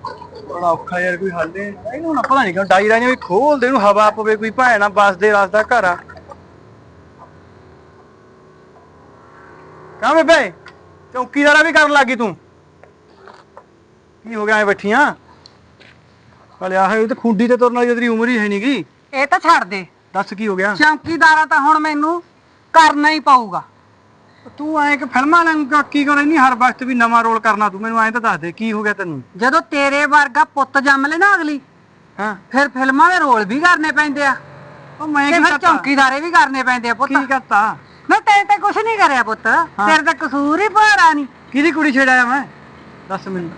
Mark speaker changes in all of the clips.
Speaker 1: बड़ा औखा यार कोई हल ना पता नहीं क्यों डाई रही खोल दे हवा पवे कोई भैन बस दे रसदा घर आ कहाँ बेबे चौकीदारा भी कर लगी तू की हो गया ऐ बैठिया तो खुंडी ते तुरन वाली तेरी उम्र ही है नहीं गी
Speaker 2: ਇਹ ਤਾਂ ਛੱਡ ਦੇ
Speaker 1: दस की हो गया
Speaker 2: ਚੌਂਕੀਦਾਰਾ ਤਾਂ ਹੁਣ ਮੈਨੂੰ ਕਰਨਾ ਹੀ ਪਊਗਾ
Speaker 1: तू ऐ कि फिल्मां की कर रही हर वक्त भी नवा रोल करना तू मैनू ऐ तो दस दे की हो गया तेन
Speaker 2: ਜਦੋਂ ਤੇਰੇ ਵਰਗਾ ਪੁੱਤ ਜੰਮ ਲੈ ਨਾ ਅਗਲੀ
Speaker 1: हाँ
Speaker 2: ਫਿਰ ਫਿਲਮਾਂ ਦੇ ਰੋਲ ਵੀ ਕਰਨੇ ਪੈਂਦੇ ਆ
Speaker 1: मैं
Speaker 2: ਤੇ ਫਿਰ ਚੌਂਕੀਦਾਰੇ ਵੀ ਕਰਨੇ ਪੈਂਦੇ ਆ ਪੁੱਤ
Speaker 1: की करता
Speaker 2: ਮੈਂ ਤੈਨੂੰ ਤਾਂ ਕੁਛ ਨਹੀਂ ਕਰਿਆ ਪੁੱਤ ਤੇਰੇ ਤਾਂ ਕਸੂਰ ਹੀ ਭਾਰਾ ਨਹੀਂ
Speaker 1: किहदी कुड़ी छेड़ाया मैं दस मिनट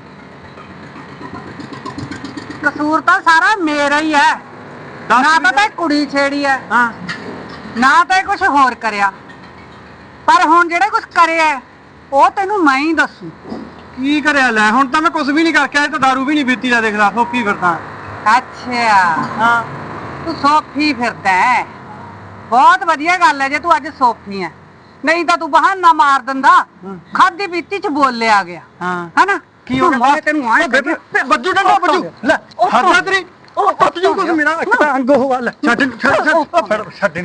Speaker 2: ਕਸੂਰ ਤਾਂ ਸਾਰਾ ਮੇਰਾ ਹੀ ਹੈ ਨਾ ਤਾਂ ਤੈਂ ਕੁੜੀ ਛੇੜੀ ਹੈ
Speaker 1: हाँ
Speaker 2: ਨਾ ਤਾਂ ਕੁਝ ਹੋਰ ਕਰਿਆ ਪਰ ਹੁਣ ਜਿਹੜੇ ਕੁਝ ਕਰਿਆ ਉਹ ਤੈਨੂੰ ਮੈਂ ਹੀ ਦੱਸੂ
Speaker 1: की करिया लै हुण तां मैं कुछ भी नहीं करके आया तो दारू भी नहीं पीती ला देख ला सोफी फिरदा
Speaker 2: ਅੱਛਾ
Speaker 1: हाँ
Speaker 2: ਤੂੰ ਸੋਫੀ ਫਿਰਦਾ ਹੈ ਬਹੁਤ ਵਧੀਆ ਗੱਲ ਹੈ ਜੇ ਤੂੰ ਅੱਜ ਸੋਫੀ ਹੈ ਨਹੀਂ ਤਾਂ ਤੂੰ ਬਹਾਨਾ ਮਾਰ ਦਿੰਦਾ ਖਾਦੀ ਪੀਤੀ ਚ ਬੋਲਿਆ ਗਿਆ
Speaker 1: हाँ
Speaker 2: ਹੈਨਾ
Speaker 1: की हो गया
Speaker 2: ਤੈਨੂੰ ਆਏ
Speaker 1: बज्जू डंडा बज्जू ले हरदा तेरी ओ टुट जू कुछ मेरा एक अंग हो वाला छੱਡ छੱਡ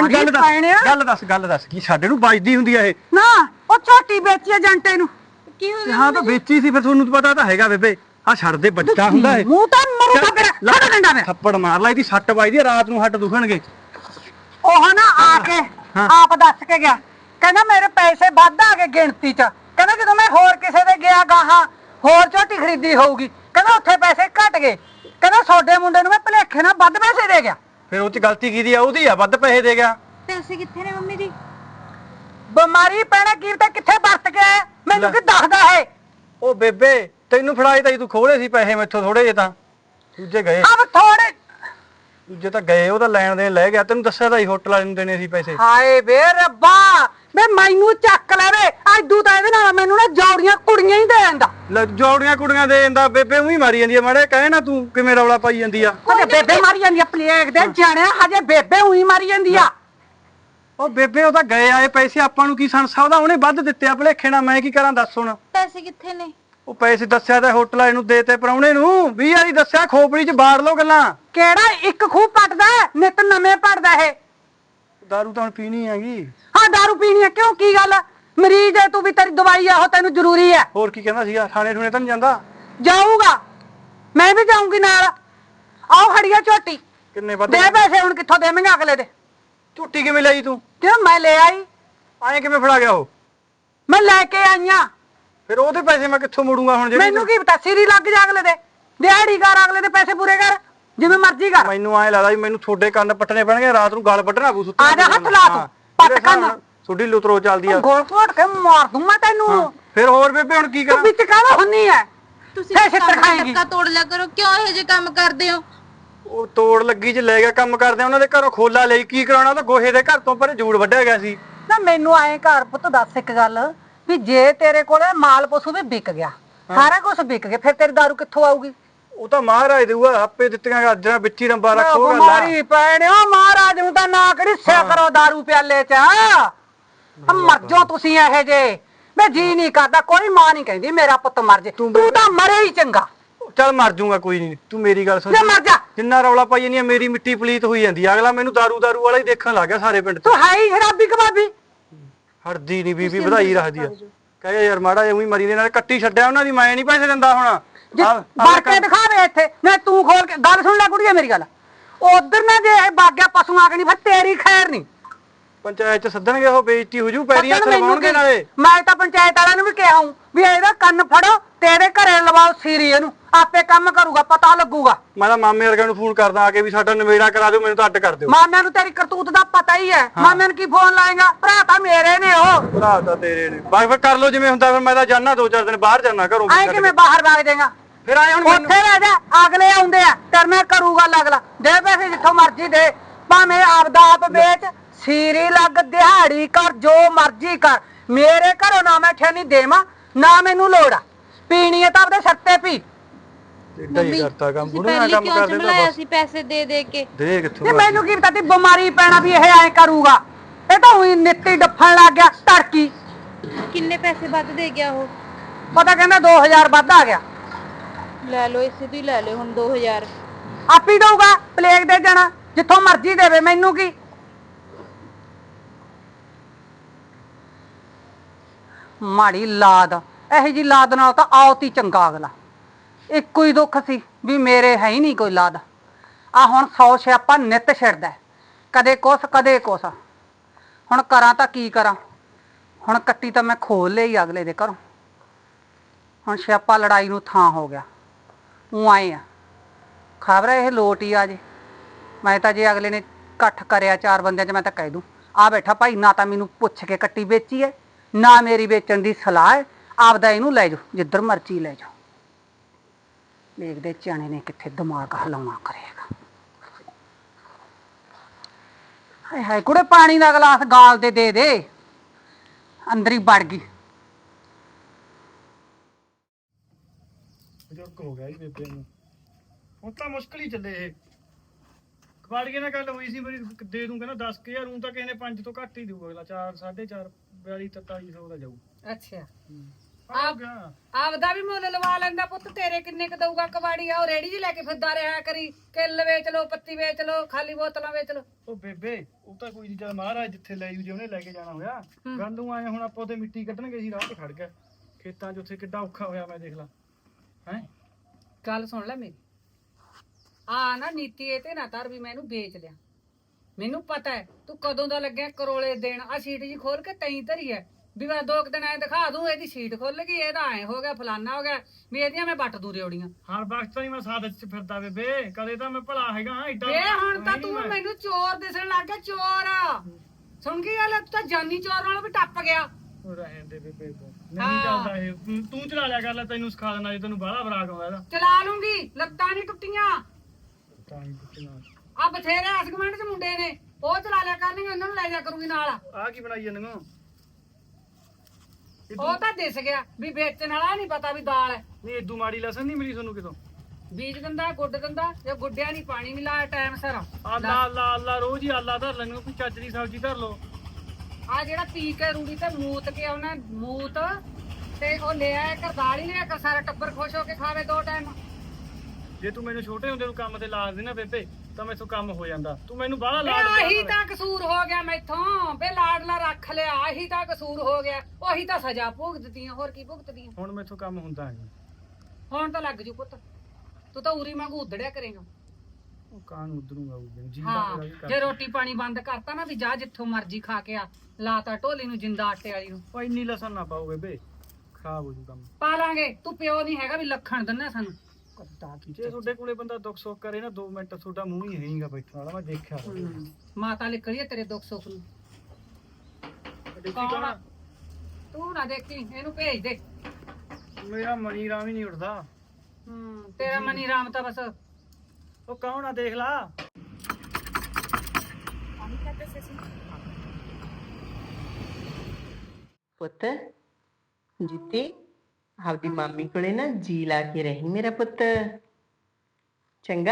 Speaker 1: गल दस की ਸਾਡੇ ਨੂੰ ਵੱਜਦੀ ਹੁੰਦੀ ਆ ਇਹ
Speaker 2: ਨਾ ਉਹ ਝੋਟੀ ਵੇਚੀ ਏਜੰਟੇ ਨੂੰ
Speaker 3: ਕੀ ਹੋ
Speaker 1: ਹਾਂ ਤਾਂ ਵੇਚੀ ਸੀ ਫਿਰ ਤੁਹਾਨੂੰ ਪਤਾ ਤਾਂ ਹੈਗਾ ਬੇਬੇ ਆ ਛੱਡ ਦੇ ਬੱਚਾ ਹੁੰਦਾ ਇਹ
Speaker 2: ਮੂੰਹ ਤਾਂ ਮਰੂਗਾ ਫਿਰ ਛੱਡ ਡੰਡਾ ਮੇਰਾ
Speaker 1: ਥੱਪੜ ਮਾਰ ਲਾ ਇਹਦੀ ਸੱਟ ਵੱਜਦੀ ਆ ਰਾਤ ਨੂੰ ਹੱਟ ਦੁਖਣਗੇ
Speaker 2: ਉਹ ਨਾ ਆ ਕੇ ਆਪ ਦੱਸ ਕੇ ਗਿਆ ਕਹਿੰਦਾ ਮੇਰੇ ਪੈਸੇ ਵੱਧ ਆ ਗਏ ਗਿਣਤੀ ਚ ਕਹਿੰਦਾ ਜਦੋਂ ਮੈਂ ਹੋਰ ਕਿਸੇ ਦੇ ਗਿਆ ਗਾਹਾਂ ਹੋਰ ਝੋਟੀ ਖਰੀਦੀ ਹੋਊਗੀ ਕਹਿੰਦਾ ਉੱਥੇ ਪੈਸੇ ਘਟ ਗਏ ਕਹਿੰਦਾ ਛੋਡੇ ਮੁੰਡੇ ਨੂੰ ਮੈਂ ਭਲੇਖੇ ਨਾਲ ਵੱਧ ਪੈਸੇ ਦੇ ਗਿਆ
Speaker 1: ਫਿਰ ਉਹ ਚ ਗਲਤੀ ਕੀਤੀ ਆ ਉਹਦੀ ਆ ਵੱਧ ਪੈਸੇ ਦੇ ਗਿਆ
Speaker 3: ਪੈਸੇ ਕਿੱਥੇ ਨੇ ਮੰਮੀ ਜੀ
Speaker 2: ਬਿਮਾਰੀ ਪੈਣਾ ਕੀ ਤਾਂ ਕਿੱਥੇ ਵਰਤ ਕੇ ਆਇਆ? ਮੈਨੂੰ ਕੀ ਦੱਸਦਾ ਹੈ
Speaker 1: ਉਹ ਬੇਬੇ ਤੈਨੂੰ ਫੜਾਏ ਤਾਂ ਤੂੰ ਖੋਲੇ ਸੀ ਪੈਸੇ ਮੈਥੋਂ ਥੋੜੇ ਜੇ ਤਾਂ ਦੂਜੇ ਗਏ
Speaker 2: ਅਬ ਥੋੜੇ
Speaker 1: ਦੂਜੇ ਤਾਂ ਗਏ ਉਹਦਾ ਲੈਣ ਦੇਣ ਲੈ ਗਿਆ ਤੈਨੂੰ ਦੱਸਿਆ ਤਾਂ ਹੋਟਲ ਵਾਲੇ ਨੂੰ ਦੇਣੇ ਸੀ ਪੈਸੇ
Speaker 2: ਹਾਏ ਵੇ ਰੱਬਾ ਵੇ ਮੈਨੂੰ ਚੱਕ ਲੈਵੇ ਐਦੂ ਤਾਂ ਇਹਦੇ ਨਾਲ ਮੈਨੂੰ ਨਾ ਜੌੜੀਆਂ ਕੁੜੀਆਂ ਹੀ ਦੇ ਦਿੰਦਾ
Speaker 1: ਲੈ ਜੋੜੀਆਂ ਕੁੜੀਆਂ ਦੇ ਜਾਂਦਾ ਬੇਬੇ ਉਹੀ ਮਾਰੀ ਜਾਂਦੀ ਆ ਮਾੜੇ ਕਹੇ ਨਾ ਤੂੰ ਕਿਵੇਂ ਰੌਲਾ ਪਾਈ ਜਾਂਦੀ ਆ
Speaker 2: ਹਜੇ ਬੇਬੇ ਮਾਰੀ ਜਾਂਦੀ ਆ ਪਲੇਗ ਦੇ ਜਾਣਿਆ ਹਜੇ ਬੇਬੇ ਉਹੀ ਮਾਰੀ ਜਾਂਦੀ ਆ
Speaker 1: ਉਹ ਬੇਬੇ ਉਹ ਤਾਂ ਗਏ ਆਏ ਪੈਸੇ ਆਪਾਂ ਨੂੰ ਕੀ ਸੰਸਾ ਉਹਦਾ ਉਹਨੇ ਵੱਧ ਦਿੱਤੇ ਆ ਭਲੇਖੇ ਨਾਲ ਮੈਂ ਕੀ ਕਰਾਂ ਦੱਸ ਹੁਣ
Speaker 3: ਪੈਸੇ ਕਿੱਥੇ ਨੇ
Speaker 1: ਉਹ ਪੈਸੇ ਦੱਸਿਆ ਤਾਂ ਹੋਟਲ ਵਾਲੇ ਨੂੰ ਦੇਤੇ ਪਰਾਉਣੇ ਨੂੰ 20 ਵਾਰੀ ਦੱਸਿਆ ਖੋਪੜੀ 'ਚ ਬਾੜ ਲਓ ਗੱਲਾਂ
Speaker 2: ਕਿਹੜਾ ਇੱਕ ਖੂਹ ਪਟਦਾ ਨਿਤ ਨਵੇਂ ਪੜਦਾ ਇਹ
Speaker 1: ਦਾਰੂ ਤਾਂ ਹੁਣ ਪੀਣੀ ਹੈਗੀ
Speaker 2: ਹਾਂ ਦਾਰੂ ਪੀਣੀ ਹੈ ਕਿਉਂ ਕੀ ਗੱਲ ਮਰੀਜ਼ ਹੈ ਤੂੰ ਵੀ ਤੇਰੀ ਦਵਾਈ ਆ ਉਹ ਤੈਨੂੰ ਜ਼ਰੂਰੀ ਹੈ
Speaker 1: ਹੋਰ ਕੀ ਕਹਿੰਦਾ ਸੀਗਾ ਥਾਣੇ ਠੂਣੇ ਤਾਂ ਨਹੀਂ ਜਾਂਦਾ
Speaker 2: ਜਾਊਗਾ ਮੈਂ ਵੀ ਜਾਊਂਗੀ ਨਾਲ ਆਓ ਖੜੀਆ ਝੋਟੀ
Speaker 1: ਕਿੰਨੇ ਵੱਧ
Speaker 2: ਦੇ ਪੈਸੇ ਹੁਣ ਕਿੱਥੋਂ ਦੇਵਾਂਗੇ ਅਗਲੇ ਦੇ
Speaker 1: ਝੂਟੀ ਕਿਵੇਂ ਲਈ ਤੂੰ
Speaker 2: ਕਿਉਂ ਮੈਂ ਲੈ ਆਈ
Speaker 1: ਐਂ ਕਿਵੇਂ ਫੜਾ ਗਿਆ ਉਹ
Speaker 2: ਮੈਂ ਲੈ ਕੇ ਆਈਆਂ
Speaker 1: ਫਿਰ ਉਹਦੇ ਪੈਸੇ ਮੈਂ ਕਿੱਥੋਂ ਮੋੜੂੰਗਾ ਹੁਣ
Speaker 2: ਮੈਨੂੰ ਕੀ ਪਤਾ ਸਿਰੀ ਲੱਗ ਜਾ ਅਗਲੇ ਦੇ ਦਿਹਾੜੀ ਕਰ ਅਗਲੇ ਦੇ ਪੈਸੇ ਪੂਰੇ ਕਰ ਜਿਵੇਂ ਮਰਜ਼ੀ ਕਰ
Speaker 1: ਮੈਨੂੰ ਐਂ ਲੱਗਦਾ ਵੀ ਮੈਨੂੰ ਤੁਹਾਡੇ ਕੰਨ ਪੱਟਣੇ ਪੈਣਗੇ ਰਾਤ ਨੂੰ ਗਲ ਵੱਢਣਾ ਪੂ ਸੁੱਤੇ
Speaker 2: ਆ ਜਾ ਹੱਥ ਲਾ ਤੂੰ ਪੱਟ ਕੰਨ
Speaker 1: ਤੁਹਾਡੀ ਲੁਤਰੋ ਚੱਲਦੀ ਆ
Speaker 2: ਗੋਲ ਘੋਟ ਕੇ ਮਾਰ ਦੂੰ ਮੈਂ ਤੈਨੂੰ
Speaker 1: ਫਿਰ ਹੋਰ ਬੇਬੇ ਹੁਣ ਕੀ
Speaker 2: ਤੂੰ
Speaker 1: ਕਰਾਂ
Speaker 2: ਵਿੱਚ ਕਾਹਦਾ ਹੁੰਨੀ ਐ
Speaker 3: ਤੁਸੀਂ
Speaker 2: ਫੇਰ ਛਿੱਤਰ ਖਾਏਂਗੀ
Speaker 3: ਧੱਕਾ ਤੋੜ ਲਿਆ ਕਰੋ ਕਿਉਂ ਇਹੋ ਜਿਹੇ ਕੰਮ ਕਰਦੇ ਹੋ
Speaker 1: ਉਹ ਤੋੜ ਲੱਗੀ ਚ ਲੈ ਗਿਆ ਕੰਮ ਕਰਦੇ ਉਹਨਾਂ ਦੇ ਘਰੋਂ ਖੋਲਾ ਲਈ ਕੀ ਕਰਾਉਣਾ ਤਾਂ ਗੋਹੇ ਦੇ ਘਰ ਤੋਂ ਪਰੇ ਜੂੜ ਵੱਢਿਆ ਗਿਆ ਸੀ
Speaker 2: ਨਾ ਮੈਨੂੰ ਆਏ ਘਰ ਪੁੱਤ ਦੱਸ ਇੱਕ ਗੱਲ ਵੀ ਜੇ ਤੇਰੇ ਕੋਲੇ ਮਾਲ ਪਸ਼ੂ ਵੀ ਵਿਕ ਗਿਆ ਸਾਰਾ ਕੁਝ ਵਿਕ ਗਿਆ ਫਿਰ ਤੇਰੀ ਦਾਰੂ ਕਿੱਥੋਂ ਆਊਗੀ
Speaker 1: ਉਹ ਤਾਂ ਮਹਾਰਾਜ ਦੇਊਗਾ ਆਪੇ ਦਿੱਤੀਆਂ ਗਾਜਰਾਂ ਵਿੱਚ ਹੀ ਰੰਬਾ ਰੱਖੋ ਗੱਲ
Speaker 2: ਮਾਰੀ ਪੈਣਿਓ ਮਹਾਰਾਜ ਨੂੰ ਤਾਂ ਨਾ ਕਿਹੜੀ ਸਿਆ ਕਰੋ ਦਾਰੂ ਪਿਆਲੇ ਚ ਮਰ ਜਾਓ ਤੁਸੀਂ ਇਹੋ ਜੇ ਮੈਂ ਜੀ ਨਹੀਂ ਕਰਦਾ ਕੋਈ ਮਾਂ ਨਹੀਂ ਕਹਿੰਦੀ ਮੇਰਾ ਪੁੱਤ ਮਰ ਜੇ ਤੂੰ ਤਾਂ ਮਰੇ ਹੀ ਚੰਗਾ
Speaker 1: ਚੱਲ ਮਰ ਜਾਊਗਾ ਕੋਈ ਨਹੀਂ ਤੂੰ ਮੇਰੀ ਗੱਲ ਸੁਣ
Speaker 2: ਲੈ ਮਰ ਜਾ
Speaker 1: ਜਿੰਨਾ ਰੌਲਾ ਪਾਈ ਜਾਂਦੀ ਆ ਮੇਰੀ ਮਿੱਟੀ ਪਲੀਤ ਹੋਈ ਜਾਂਦੀ ਆ ਅਗਲਾ ਮੈਨੂੰ ਦਾਰੂ ਵਾਲਾ ਹੀ ਦੇਖਣ ਲੱਗ ਗਿਆ ਸਾਰੇ ਪਿੰਡ 'ਚ
Speaker 2: ਤੂੰ ਹੈ ਹੀ ਸ਼ਰਾਬੀ ਕਬਾਬੀ
Speaker 1: ਹੜਦੀ ਨਹੀਂ ਬੀਬੀ ਵਧਾਈ ਰੱਖਦੀ ਆ ਕਹੇ ਯਾਰ ਮਾੜਾ ਜਿਹਾ ਉਹੀ ਮਰੀ ਦੇ ਨਾਲ ਕੱਟੀ ਛੱਡਿਆ ਉਹਨਾਂ ਦੀ ਮੈਂ ਨਹੀਂ ਪੈਸੇ ਦਿੰਦਾ ਹੁਣ
Speaker 2: ਬਾਰ ਕੇ ਦਿਖਾਵੇ ਇੱਥੇ ਨਾ ਤੂੰ ਖੋਲ ਕੇ ਗੱਲ ਸੁਣ ਲੈ ਕੁੜੀਏ ਮੇਰੀ ਗੱਲ ਉਧਰ ਨਾ ਜੇ ਇਹ ਬਾਗਿਆ ਪਸ਼ੂ ਆ ਕੇ ਨਹੀਂ ਫਿਰ ਤੇਰੀ ਖੈਰ ਨਹੀਂ
Speaker 1: ਪੰਚਾਇਤ ਚ ਸੱਦਣਗੇ ਉਹ ਬੇਇੱਜ਼ਤੀ ਹੋ ਜੂ ਪੈਰੀਆਂ ਸਰਵਾਉਣਗੇ ਨਾਲੇ
Speaker 2: ਮੈਂ ਤਾਂ ਪੰਚਾਇਤ ਵਾਲਿਆਂ ਨੂੰ ਵੀ ਕਿਹਾ ਹੂੰ ਵੀ ਇਹਦਾ ਕੰਨ ਫੜੋ ਤੇਰੇ ਘਰੇ ਲਵਾਓ ਸੀਰੀ ਇਹਨੂੰ ਆਪੇ ਕੰਮ ਕਰੂਗਾ ਪਤਾ ਲੱਗੂਗਾ
Speaker 1: ਮੈਂ ਤਾਂ ਮਾਮੇ ਵਰਗਾ ਨੂੰ ਫੋਨ ਕਰਦਾ ਆ ਕੇ ਵੀ ਸਾਡਾ ਨਵੇੜਾ ਕਰਾ ਦਿਓ ਮੈਨੂੰ ਤਾਂ ਅੱਡ ਕਰ ਦਿਓ
Speaker 2: ਮਾਮਿਆਂ ਨੂੰ ਤੇਰੀ ਕਰਤੂਤ ਦਾ ਪਤਾ ਹੀ ਹੈ ਮਾਮਿਆਂ ਨੂੰ ਕੀ ਫੋਨ ਲਾਏਗਾ ਭਰਾ ਤਾਂ ਮੇਰੇ ਨੇ ਉਹ
Speaker 1: ਭਰਾ ਤਾਂ ਤੇਰੇ ਨੇ ਬਾਕੀ ਫਿਰ ਕਰ ਲਓ ਜਿਵੇਂ ਹੁੰਦਾ ਫਿਰ ਮੈਂ ਤਾਂ ਜਾਣਾ 2-4 ਦਿਨ ਬਾਹਰ ਜਾਣਾ ਘਰੋਂ
Speaker 2: ਐ ਕਿਵੇਂ ਬਾਹਰ ਵਗ ਜਾਏਗਾ
Speaker 1: ਫਿਰ ਆਏ ਹੁਣ
Speaker 2: ਉੱਥੇ ਰਹਿ ਜਾ ਅਗਲੇ ਆਉਂਦੇ ਆ ਕਰਨਾ ਕਰੂਗਾ ਅਗਲਾ ਦੇ ਪੈਸੇ ਜਿੱਥੋਂ ਮਰਜ਼ੀ ਦੇ ਭਾਵੇਂ ਆਪਦਾ ਆਪ ਵੇਚ ਸੀਰੀ ਲੱਗ ਦਿਹਾੜੀ ਕਰ ਜੋ ਮਰਜ਼ੀ ਕਰ ਮੇਰੇ ਘਰੋਂ ਨਾ ਮੈਂ ਠੇਨੀ ਦੇਵਾਂ ਨਾ ਮੈਨੂੰ ਲੋੜ ਆ ਪੀਣੀ ਹੈ ਤਾਂ ਆਪਦੇ ਸੱਤੇ ਪੀ
Speaker 1: ਮੰਮੀ ਕਰਤਾ ਕੰਮ
Speaker 3: ਤੁਸੀਂ ਪਹਿਲੀ ਕਿਉਂ ਚਮਲਾਇਆ ਸੀ ਪੈਸੇ ਦੇ ਦੇ ਕੇ
Speaker 1: ਦੇ ਕਿੱਥੋਂ
Speaker 2: ਤੇ ਮੈਨੂੰ ਕੀ ਪਤਾ ਤੀ ਬਿਮਾਰੀ ਪੈਣਾ ਵੀ ਇਹ ਐ ਕਰੂਗਾ ਇਹ ਤਾਂ ਉਹੀ ਨਿੱਤੀ ਡੱਫਣ ਲੱਗ ਗਿਆ ਧੜਕੀ
Speaker 3: ਕਿੰਨੇ ਪੈਸੇ ਵੱਧ ਦੇ ਗਿਆ ਉਹ
Speaker 2: ਪਤਾ ਕਹਿੰਦਾ 2000 ਵੱਧ ਆ ਗਿਆ
Speaker 3: ਲੈ ਲਓ ਇਸੇ ਤੋਂ ਹੀ ਲੈ ਲਿਓ ਹੁਣ 2000।
Speaker 2: ਆਪ ਹੀ ਦਊਗਾ, ਪਲੇਗ ਦੇ ਜਾਣਾ ਜਿੱਥੋਂ ਮਰਜ਼ੀ ਦੇਵੇ, ਮੈਨੂੰ ਕੀ। ਮਾੜੀ ਲਾਦ, ਇਹੋ ਜੀ ਲਾਦ ਨਾਲ ਤਾਂ ਆਉਤ ਹੀ ਚੰਗਾ ਅਗਲਾ। ਇੱਕੋ ਹੀ ਦੁੱਖ ਸੀ ਵੀ ਮੇਰੇ ਹੈ ਹੀ ਨਹੀਂ ਕੋਈ ਲਾਦ। ਆ ਹੁਣ 100 ਸਿਆਪਾ ਨਿੱਤ ਛਿੜਦਾ, ਕਦੇ ਕੁਛ ਕਦੇ ਕੁਛ। ਹੁਣ ਕਰਾਂ ਤਾਂ ਕੀ ਕਰਾਂ, ਹੁਣ ਕੱਟੀ ਤਾਂ ਮੈਂ ਖੋਲ ਲਈ ਅਗਲੇ ਦੇ ਘਰੋਂ। ਹੁਣ ਸਿਆਪਾ ਲੜਾਈ ਨੂੰ ਥਾਂ ਹੋ ਗਿਆ। ਉਹ ਆਏ ਆ, ਖਬਰ ਇਹ ਲੋਟ ਹੀ ਆ ਜੇ। ਮੈਂ ਤਾਂ ਜੇ ਅਗਲੇ ਨੇ ਇਕੱਠ ਕਰਿਆ 4 ਬੰਦਿਆਂ 'ਚ, ਮੈਂ ਤਾਂ ਕਹਿ ਦੂੰ ਆ ਬੈਠਾ ਭਾਈ, ਨਾ ਤਾਂ ਮੈਨੂੰ ਪੁੱਛ ਕੇ ਕੱਟੀ ਵੇਚੀ ਹੈ, ਨਾ ਮੇਰੀ ਵੇਚਣ ਦੀ ਸਲਾਹ ਹੈ। ਆਪਦਾ ਇਹਨੂੰ ਲੈ ਜਾਓ ਜਿੱਧਰ ਮਰਜ਼ੀ ਲੈ ਜਾਓ। ਦੇਖਦੇ ਚਣੇ ਨੇ ਕਿੱਥੇ ਦਿਮਾਗ ਹਲਾਉਣਾ ਕਰੇਗਾ। ਹਾਏ ਹਾਏ ਕੁੜੇ, ਪਾਣੀ ਦਾ ਗਲਾਸ ਗਾਲ ਦੇ ਦੇ। ਅੰਦਰ ਹੀ ਵੜ ਗਈ।
Speaker 1: ਬਜ਼ੁਰਗ ਹੋ ਗਿਆ ਜੀ ਬੇਬੇ ਨੂੰ, ਹੁਣ ਤਾਂ ਮੁਸ਼ਕਲ ਹੀ ਚੱਲੇ ਇਹ। ਕਬਾੜੀਏ ਨਾਲ ਗੱਲ ਹੋਈ ਸੀ ਮੇਰੀ, ਦੇ ਦੂੰ ਕਹਿੰਦਾ 10,000, ਹੁਣ ਤਾਂ ਕਿਸੇ ਨੇ 5 ਤੋਂ ਘੱਟ ਹੀ ਦਊਗਾ ਅਗਲਾ। 4 4.5 42 4300 ਦਾ ਜਾਊ।
Speaker 2: ਅੱਛਾ,
Speaker 1: ਆ ਗਿਆ
Speaker 2: ਆਪਦਾ ਵੀ ਮੁੱਲ ਲਵਾ ਲੈਂਦਾ ਪੁੱਤ। ਤੇਰੇ ਕਿੰਨੇ ਕ ਦਊਗਾ ਕਬਾੜੀ? ਆ ਉਹ ਰੇੜੀ ਜੀ ਲੈ ਕੇ ਫਿਰਦਾ ਰਿਹਾ ਕਰੀ, ਕਿੱਲ ਵੇਚ ਲੋ, ਪੱਤੀ ਵੇਚ ਲੋ, ਖਾਲੀ ਬੋਤਲਾਂ ਵੇਚ ਲੋ।
Speaker 1: ਉਹ ਬੇਬੇ ਉਹ ਤਾਂ ਕੋਈ ਨਹੀਂ, ਜਦ ਮਹਾਰਾਜ ਜਿੱਥੇ ਲੈ ਜੂ, ਜੇ ਉਹਨੇ ਲੈ ਕੇ ਜਾਣਾ ਹੋਇਆ। ਗੱਲ ਨੂੰ ਆਏ ਹੁਣ ਆਪਾਂ ਉੱਥੇ ਮਿੱਟੀ ਕੱਢਣ ਗਏ ਸੀ, ਰਾਹ ਤੇ ਖੜ ਗਿਆ ਖੇਤਾਂ 'ਚ, ਉੱਥੇ ਕਿੱਡਾ ਔਖਾ ਹੋਇਆ ਮੈਂ ਦੇਖ ਲਾ। ਹੈ
Speaker 2: ਗੱਲ ਸੁਣ ਲੈ ਮੇਰੀ, ਆ ਨਾ ਨੀਤੀ ਇਹ ਤੇ ਨਾ ਧਰ ਵੀ ਮੈਂ ਇਹਨੂੰ ਵੇਚ ਲਿਆ। ਮੈਨੂੰ ਪਤਾ ਹੈ ਤੂੰ ਕਦੋਂ ਦਾ ਲੱਗਿਆ ਕਰੋਲੇ ਦੇਣ। ਆ ਸ਼ੀਟ ਜੀ ਖੋਲ ਕੇ ਤੈਂ ਧਰੀ ਹੈ ਵੀ ਮੈਂ 2 ਦਿਨ ਐ ਦਿਖਾ ਦੂੰ ਇਹਦੀ ਸ਼ੀਟ ਖੁੱਲ ਗਈ, ਇਹਦਾ ਐ ਹੋ ਗਿਆ, ਫਲਾਨਾ ਹੋ ਗਿਆ, ਵੀ ਇਹਦੀਆਂ ਮੈਂ ਵੱਟ ਦੂ ਰਿਓੜੀਆਂ।
Speaker 1: ਹਰ ਵਕਤ ਤਾਂ ਨਹੀਂ ਮੈਂ ਸਾਥ 'ਚ ਫਿਰਦਾ ਬੇਬੇ, ਕਦੇ ਤਾਂ ਮੈਂ ਭਲਾ ਹੈਗਾ ਐਡਾ।
Speaker 2: ਵੇ ਹੁਣ ਤਾਂ ਤੂੰ ਮੈਨੂੰ ਚੋਰ ਦਿਸਣ ਲੱਗ ਗਿਆ, ਚੋਰ। ਸੁਣ ਗਈ ਗੱਲ, ਤੂੰ ਤਾਂ ਜਾਨੀ ਚੋਰ ਨਾਲੋਂ ਵੀ ਟੱਪ ਗਿਆ।
Speaker 1: ਉਹ ਰਹਿਣ ਦੇ ਬੇਬੇ, ਨਹੀਂ ਚੱਲਦਾ ਇਹ। ਤੂੰ ਚਲਾ ਲਿਆ ਕਰ ਲੈ, ਤੈਨੂੰ ਸਿਖਾ ਦੇਣਾ ਜੇ ਤੈਨੂੰ ਬਾਹਲਾ ਬਰਾਕ ਆਉਂਦਾ ਇਹਦਾ।
Speaker 2: ਚਲਾ ਲੂੰਗੀ, ਲੱਤਾਂ ਨਹੀਂ ਟੁੱਟੀਆਂ।
Speaker 1: ਤਾਂ ਹੀ ਪੁੱਛਣਾ।
Speaker 2: ਆ ਬਥੇਰੇ ਹਸਗਮੈਂਟ 'ਚ ਮੁੰਡੇ ਨੇ, ਉਹ ਚਲਾ ਲਿਆ ਕਰਨਗੇ, ਉਹਨਾਂ ਨੂੰ ਲੈ ਜਾ ਕਰੂੰਗੀ ਨਾਲ।
Speaker 1: ਆ ਕੀ ਬਣਾਈ ਜਾਂਦੇ ਹੋ?
Speaker 2: ਉਹ ਤਾਂ ਦਿਸ ਗਿਆ ਵੀ ਵੇਚਣ ਵਾਲਾ ਨਹੀਂ ਪਤਾ ਵੀ ਦਾਲ ਹੈ।
Speaker 1: ਨਹੀਂ ਏਦੂ ਮਾੜੀ ਲਸਣ ਨਹੀਂ ਮਿਲੀ ਤੁਹਾਨੂੰ ਕਿਤੋਂ?
Speaker 2: ਬੀਜ ਦਿੰਦਾ, ਗੁੱਡ ਦਿੰਦਾ, ਜੇ ਗੁੱਡਿਆ ਨਹੀਂ ਪਾਣੀ ਨਹੀਂ ਲਾਇਆ ਟਾਈਮ ਸਿਰ।
Speaker 1: ਆਲਾ ਆਲਾ ਆਲਾ ਰੋਜ਼ ਹੀ ਆਲਾ ਧਰ ਲੈਣੇ, ਕੋਈ ਚੱਜ ਦੀ ਸਬਜ਼ੀ ਧਰ ਲਓ।
Speaker 2: ਆ ਜਿਹੜਾ ਪੀ ਕੇ ਰੂੜੀ ਤੇ ਮੂਤ ਕੇ ਆਉਣਾ, ਮੂਤ ਤੇ ਉਹ ਲੈ ਆਇਆ ਕਰ, ਦਾਲ ਹੀ ਲਿਆ ਕਰ, ਸਾਰਾ ਟੱਬਰ ਖੁਸ਼ ਹੋ ਕੇ ਖਾਵੇ 2 ਟਾਈਮ।
Speaker 1: ਜੇ ਤੂੰ ਮੈਨੂੰ ਛੋਟੇ ਹੁੰਦੇ ਨੂੰ ਕੰਮ ਤੇ ਲਾ ਦੇ ਨਾ ਬੇਬੇ, ਤਾਂ ਮੈਥੋਂ ਕੰਮ ਹੋ ਜਾਂਦਾ। ਤੂੰ ਮੈਨੂੰ ਬਾਹਲਾ
Speaker 2: ਵੇ
Speaker 1: ਲਾਡ
Speaker 2: ਆਹੀ ਤਾਂ ਕਸੂਰ ਹੋ ਗਿਆ ਮੈਥੋਂ, ਵੇ ਲਾਡਲਾ ਰੱਖ ਲਿਆ, ਆਹੀ ਤਾਂ ਕਸੂਰ ਹੋ ਗਿਆ। ਉਹੀ ਤਾਂ ਸਜ਼ਾ ਭੁਗਤਦੀਆਂ, ਹੋਰ ਕੀ ਭੁਗਤਦੀਆਂ।
Speaker 1: ਹੁਣ ਮੈਥੋਂ ਕੰਮ ਹੁੰਦਾ ਨਹੀਂ।
Speaker 2: ਹੁਣ ਤਾਂ ਲੱਗ ਜੂ ਪੁੱਤ, ਤੂੰ ਤਾਂ ਉਰੀ ਵਾਂਗੂ ਉਧੜਿਆ ਕਰੇਗਾ।
Speaker 1: ਉਹ ਕਾਂ ਨੂੰ ਉਧਰੂਗਾ ਉਹ ਜੀ
Speaker 2: ਹਾਂ,
Speaker 1: ਦਾ
Speaker 2: ਜੇ ਰੋਟੀ ਪਾਣੀ ਬੰਦ ਕਰਤਾ ਨਾ ਵੀ ਜਾ ਜਿੱਥੋਂ ਮਰਜ਼ੀ ਖਾ ਕੇ ਆ, ਲਾਤਾ ਢੋਲੀ ਨੂੰ ਜਿੰਦਾ ਆਟੇ ਵਾਲੀ ਨੂੰ।
Speaker 1: ਉਹ ਇੰਨੀ ਲਸਣ ਨਾ ਪਾਓ ਬੇਬੇ, ਖਰਾਬ ਹੋ ਜੂ ਕੰਮ।
Speaker 2: ਪਾ ਲਾਂਗੇ, ਤੂੰ ਪਿਓ ਨਹੀਂ ਹੈਗਾ ਵੀ ਲੱਖਣ ਦਿੰਨਾ ਸਾਨੂੰ।
Speaker 1: ਜੇ ਤੁਹਾਡੇ ਕੋਲੇ ਬੰਦਾ ਦੁੱਖ ਸੁੱਖ ਕਰੇ ਨਾ 2 ਮਿੰਟ, ਤੁਹਾਡਾ ਮੂੰਹ ਹੀ ਹੈਗਾ ਬੈਠਣ ਵਾਲਾ, ਮੈਂ ਦੇਖਿਆ।
Speaker 2: ਮਾਤਾ ਲਿਖੜੀ ਹੈ ਤੇਰੇ ਦੁੱਖ ਸੁੱਖ ਨੂੰ। ਕੌਣ ਆ? ਤੂੰ ਨਾ ਦੇਖੀ, ਇਹਨੂੰ ਭੇਜ ਦੇ।
Speaker 1: ਮੇਰਾ ਮਨੀ ਰਾਮ ਹੀ ਨਹੀਂ ਉੱਠਦਾ।
Speaker 2: ਤੇਰਾ ਮਨੀ ਰਾਮ ਤਾਂ ਬਸ
Speaker 1: ਉਹ ਕੌਣ ਆ ਦੇਖ ਲਾ।
Speaker 4: ਪੁੱਤ ਜਿੱਤੀ ਆਪਦੀ ਮਾਮੀ ਕੋਲੇ ਨਾ ਜੀ ਲਾ ਕੇ ਰਹੀ ਮੇਰਾ ਪੁੱਤ, ਚੰਗਾ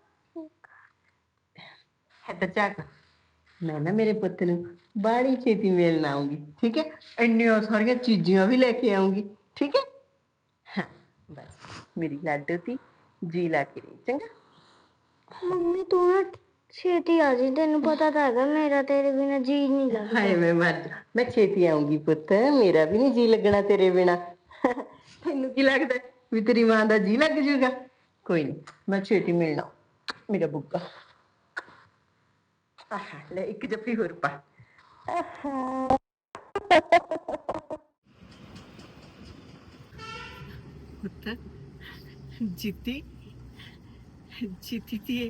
Speaker 4: ਹੈ ਤਾਂ ਚੱਕ। ਮੈਂ ਨਾ ਮੇਰੇ ਪੁੱਤ ਨੂੰ ਬਾੜੀ ਛੇਤੀ ਮਿਲਣ ਆਉਂਗੀ, ਠੀਕ ਹੈ? ਇੰਨੀਆਂ ਸਾਰੀਆਂ ਚੀਜ਼ਾਂ ਵੀ ਲੈ ਕੇ ਆਉਂਗੀ, ਠੀਕ ਹੈ? ਹਾਂ ਬਸ ਮੇਰੀ ਲਾਡੋ ਤੀ ਜੀ ਲਾ ਕੇ ਰਹੀ, ਚੰਗਾ?
Speaker 5: ਮੰਮੀ ਤੂੰ ਨਾ ਛੇਤੀ ਆ ਜੀ, ਤੈਨੂੰ ਪਤਾ ਤਾਂ ਹੈਗਾ ਮੇਰਾ ਤੇਰੇ ਬਿਨਾ ਜੀ ਨਹੀਂ ਲੱਗਦਾ।
Speaker 4: ਹਾਏ ਮੈਂ ਮਰ ਜਾ, ਮੈਂ ਛੇਤੀ ਆਉਂਗੀ ਪੁੱਤ, ਮੇਰਾ ਵੀ ਨਹੀਂ ਜੀ ਲੱਗਣਾ ਤੇਰੇ ਬਿਨਾ। ਤੈਨੂੰ ਕੀ ਲੱਗਦਾ ਵੀ ਤੇਰੀ ਮਾਂ ਦਾ ਜੀ ਲੱਗ ਜੂਗਾ? ਕੋਈ ਨਹੀਂ, ਮੈਂ ਛੇਤੀ ਮਿਲਣਾ ਮੇਰਾ ਬੁੱਗਾ। ਆਹ ਲੈ ਇੱਕ ਜੱਫੀ ਹੋਰ ਪਾ। ਪੁੱਤ ਜੀਤੀ ਜੀਤੀ ਤੀ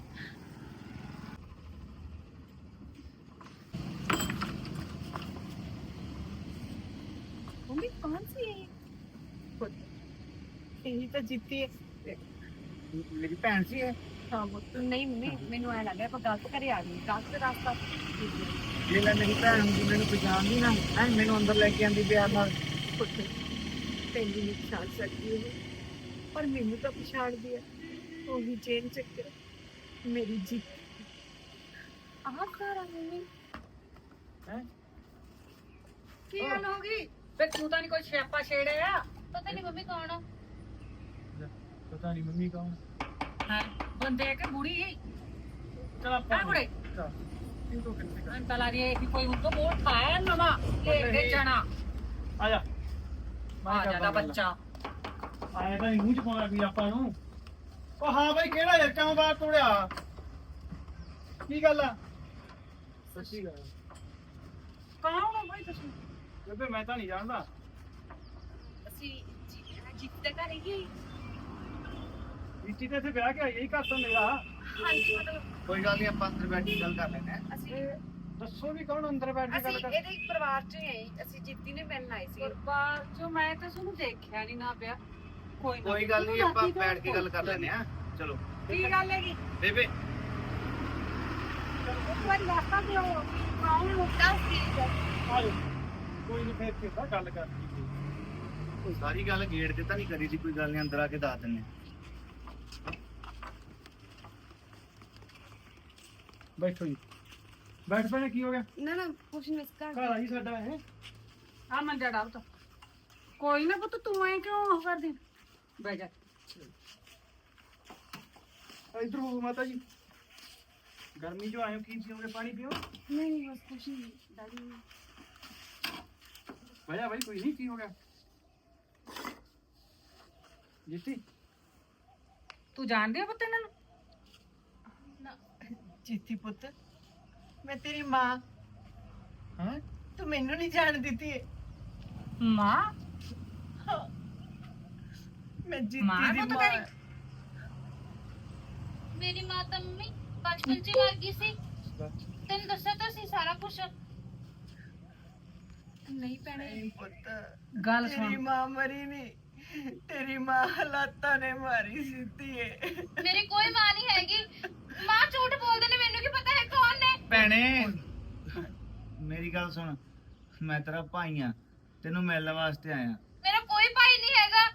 Speaker 5: मम्मी कौन सी है
Speaker 4: यही तो जीती है,
Speaker 1: ਮੇਰੀ ਭੈਣ ਸੀ ਇਹ।
Speaker 5: हाँ वो तो नहीं मम्मी मैनू ऐ लग रहा गलत करे आ गई, गलत रास्ता।
Speaker 1: ਜੇ ਲੈ ਮੇਰੀ ਭੈਣ ਹੁੰਦੀ, ਮੈਨੂੰ ਪਛਾਣਦੀ ਨਾ ਐ, ਮੈਨੂੰ ਅੰਦਰ ਲੈ ਕੇ ਆਂਦੀ ਪਿਆਰ ਨਾਲ।
Speaker 5: तेन नहीं पछाण सकती है पर मैनू तो पछाण दिया, वो भी चेन चक्कर मेरी जीत। आह सारा मम्मी
Speaker 1: ਹੈ
Speaker 2: ਕੀ ਗੱਲ ਹੋ ਗਈ? ਵੇ ਤੂੰ ਤਾਂ ਨਹੀਂ ਕੋਈ ਸਿਆਪਾ ਛੇੜਿਆ?
Speaker 3: ਪਤਾ ਨਹੀਂ ਮੰਮੀ ਕੌਣ ਆ।
Speaker 1: ਪਤਾ ਨਹੀਂ ਮੰਮੀ ਕੌਣ।
Speaker 2: ਹਾਂ ਬੰਦੇ ਕਿ ਬੁੜੀ ਹੈ
Speaker 1: ਚਲ ਆਪਾਂ
Speaker 2: ਆ ਬੁੜੇ
Speaker 1: ਚੱਲ, ਤੂੰ ਤੋਂ ਕਿੱਥੇ ਕਰ
Speaker 2: ਅੰਤਾ ਲਾ ਰਹੀ ਹੈ ਕਿ ਕੋਈ ਉनको वोट खाया नवा ले जाना
Speaker 1: ਆ ਜਾ
Speaker 2: आ जाता बच्चा
Speaker 1: ਆਇਆ ਤਾਂ ਨੀ ਮੂੰਹ ਚ ਪਾਉਣਾ ਵੀ ਆਪਾਂ ਨੂੰ। ਉਹ ਹਾਂ ਬਾਈ ਕਿਹੜਾ ਯਾਰ ਕਿਉਂ ਬਾਹਰ ਤੋੜਿਆ? ਕੀ ਗੱਲ ਆ? ਸੱਚੀ ਗੱਲ
Speaker 2: कौन हो भाई तुम
Speaker 1: ਬੇਬੇ ਮੈਂ ਤਾਂ ਨਹੀਂ ਜਾਣਦਾ।
Speaker 5: ਅਸੀਂ ਜਿੱਤ ਦਾ ਘਰ ਹੈਗੀ
Speaker 1: ਰੀਤੀ ਤੇ ਇੱਥੇ ਵਿਆਹ ਕੇ ਆਈ ਹੈ ਘਰ ਤਾਂ ਮੇਰਾ।
Speaker 5: ਹਾਂਜੀ ਮਤਲਬ
Speaker 6: ਕੋਈ ਗੱਲ ਨਹੀਂ ਆਪਾਂ ਅੰਦਰ ਬੈਠ ਕੇ ਗੱਲ ਕਰ ਲੈਂਦੇ ਆ।
Speaker 5: ਅਸੀਂ
Speaker 1: ਦੱਸੋ ਵੀ ਕੌਣ ਅੰਦਰ ਬੈਠ ਕੇ ਗੱਲ
Speaker 5: ਅਸੀਂ
Speaker 1: ਕਰ।
Speaker 5: ਇਹਦੇ ਪਰਿਵਾਰ ਚੋਂ ਹੀ ਆਏ ਅਸੀਂ ਜਿੱਤੀ ਨੇ ਮਿਲਣ ਆਏ ਸੀ
Speaker 2: बार जो मैं तो सुन देखा नहीं ना पिया कोई ना
Speaker 6: ਕੋਈ ਗੱਲ ਨਹੀਂ ਆਪਾਂ ਬੈਠ ਕੇ ਗੱਲ ਕਰ ਲੈਂਦੇ ਆ। ਚਲੋ
Speaker 2: की गल हैगी
Speaker 6: ਬੇਬੇ
Speaker 2: एक बार रास्ता दो कौन
Speaker 5: ਦੱਸ ਕੀ ਗੱਲ
Speaker 1: ਆ ਜਾਓ। ਕੋਈ ਨਹੀਂ ਫੇਰ ਕਿਦਾਂ ਗੱਲ ਕਰਦੀ।
Speaker 6: ਸਾਰੀ ਗੱਲ ਗੇਟ ਤੇ ਤਾਂ ਨਹੀਂ ਕਰੀ ਸੀ। ਕੋਈ ਗੱਲ ਨਹੀਂ ਅੰਦਰ ਆ ਕੇ ਦੱਸ ਦਿੰਦੇ ਆ।
Speaker 1: ਬੈਠੋ ਜੀ। ਬੈਠ ਪੈਣੇ ਕੀ ਹੋ ਗਿਆ?
Speaker 5: ਨਾ ਨਾ ਕੁਛ ਨਹੀਂ ਇਸ ਘਰ
Speaker 1: ਘਰ ਆਈ ਸਾਡਾ ਇਹ।
Speaker 2: आ मंजा डाल तो कोई ना पुत तू ऐ क्यों कर दी बैठ जा
Speaker 1: इधर हो माता जी। गर्मी जो आयो की पियोगे? पानी पियो।
Speaker 5: ਨਹੀਂ ਨਹੀਂ ਬਸ ਕੁਛ ਨਹੀਂ ਦਾਦੀ
Speaker 1: भैया भाई कोई नहीं की हो गया? जीती
Speaker 2: तू जान दिया पुत इन्हां
Speaker 4: ਜੀਤੀ ਪੁੱਤ ਮੈਂ ਤੇਰੀ ਮਾਂ
Speaker 1: हाँ
Speaker 4: ਤੂੰ ਮੈਨੂੰ ਨਹੀਂ ਜਾਣ ਦਿੱਤੀ ਏ।
Speaker 2: मां
Speaker 4: ਮੈਂ
Speaker 2: ਮਾਂ
Speaker 4: ਜੀਤੀ ਦੀ
Speaker 2: ਪੁੱਤ
Speaker 4: ਮਾਂ
Speaker 2: ਤੇਰੀ?
Speaker 3: ਮੇਰੀ ਮਾਂ ਤਾਂ ਮੰਮੀ ਬਚਪਨ ਚ ਹੀ ਮਰ ਗਈ ਸੀ ਤੈਨੂੰ ਦੱਸਿਆ ਤਾਂ ਸੀ ਸਾਰਾ ਕੁਝ
Speaker 5: ਨਹੀਂ ਭੈਣੇ
Speaker 4: ਨਹੀਂ ਪੁੱਤ
Speaker 2: गल
Speaker 4: ਤੇਰੀ
Speaker 2: सुन
Speaker 4: ਮਾਂ ਮਰੀ ਨਹੀਂ ਤੇਰੀ ਮਾਂ ਹਾਲਾਤਾਂ ਨੇ ਮਾਰੀ ਸਿੱਧੀ ਏ।
Speaker 3: ਮੇਰੀ ਕੋਈ ਮਾਂ ਨਹੀਂ ਹੈਗੀ ਮਾਂ ਝੂਠ ਬੋਲਦੇ ਨੇ ਮੈਨੂੰ ਕੀ ਪਤਾ ਹੈ ਕੌਣ ਨੇ
Speaker 6: ਭੈਣੇ ਮੇਰੀ ਗੱਲ ਸੁਣ। ਮੈਂ ਤੇਰਾ ਭਾਈ ਆ। ਤੈਨੂੰ ਮਿਲਣ ਵਾਸਤੇ ਆਇਆ।
Speaker 3: ਮੇਰਾ ਕੋਈ ਭਾਈ ਨਹੀਂ ਹੈਗਾ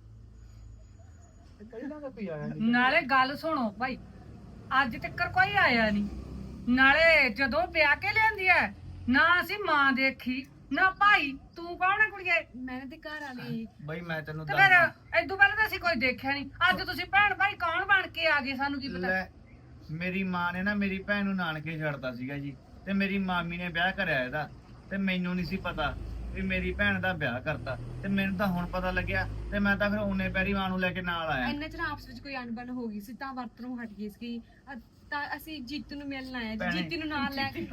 Speaker 1: पहला तो कोई आया नहीं।
Speaker 2: ਨਾਲੇ ਗੱਲ ਸੁਣੋ ਭਾਈ ਅੱਜ ਤੱਕ ਕੋਈ ਆਇਆ ਨਹੀਂ ਨਾਲੇ ਜਦੋਂ ਵਿਆਹ ਕੇ ਲਿਆਂਦੀ ਐ ਨਾ ਅਸੀਂ ਮਾਂ ਦੇਖੀ ਨਾ ਭਾਈ ਤੂੰ ਕੌਣ ਹੈ ਕੁੜੀਏ
Speaker 5: ਮੈਂ ਤੇ ਘਰ ਆ ਗਈ
Speaker 6: ਬਈ ਮੈਂ ਤੈਨੂੰ
Speaker 2: ਤੇ ਫਿਰ
Speaker 6: ਦੱਸਦਾ।
Speaker 2: ਇਦੋਂ ਪਹਿਲਾਂ ਤਾਂ ਅਸੀਂ ਕੋਈ ਦੇਖਿਆ ਨਹੀਂ ਅੱਜ ਤੁਸੀਂ ਭੈਣ ਭਾਈ ਕੌਣ ਬਣ ਕੇ ਆ ਗਏ ਸਾਨੂੰ ਕੀ ਪਤਾ
Speaker 6: ਲੈ ਮੇਰੀ ਮਾਂ ਨੇ ਨਾ ਮੇਰੀ ਭੈਣ ਨੂੰ ਨਾਨਕੇ ਛੱਡਤਾ ਸੀਗਾ ਜੀ। ਤੇ ਮੇਰੀ ਮਾਮੀ ਨੇ ਵਿਆਹ ਕਰਿਆ ਇਹਦਾ। ਤੇ ਮੈਨੂੰ ਨਹੀਂ ਸੀ ਪਤਾ ਵੀ ਮੇਰੀ ਭੈਣ ਦਾ ਵਿਆਹ ਕਰਤਾ। ਤੇ ਮੈਨੂੰ ਤਾਂ ਹੁਣ ਪਤਾ ਲੱਗਿਆ ਤੇ ਮੈਂ ਤਾਂ ਫਿਰ ਉਹਨੇ ਪੈਰੀ ਮਾਂ ਨੂੰ ਲੈ ਕੇ ਨਾਲ ਆਇਆ।
Speaker 5: ਇੰਨਾ ਚਿਰ ਆਪਸ ਵਿੱਚ ਕੋਈ ਅਣਬਣ ਹੋ ਗਈ ਸੀ ਤਾਂ ਵਰਤੋਂ ਹਟ ਗਈ ਸੀ ਤਾਂ ਅਸੀਂ ਜੀਤ ਨੂੰ ਮਿਲਣ ਆਏ
Speaker 6: ਭੈਣੇ,
Speaker 5: ਜੀਤ ਨੂੰ ਨਾਲ ਲੈ ਕੇ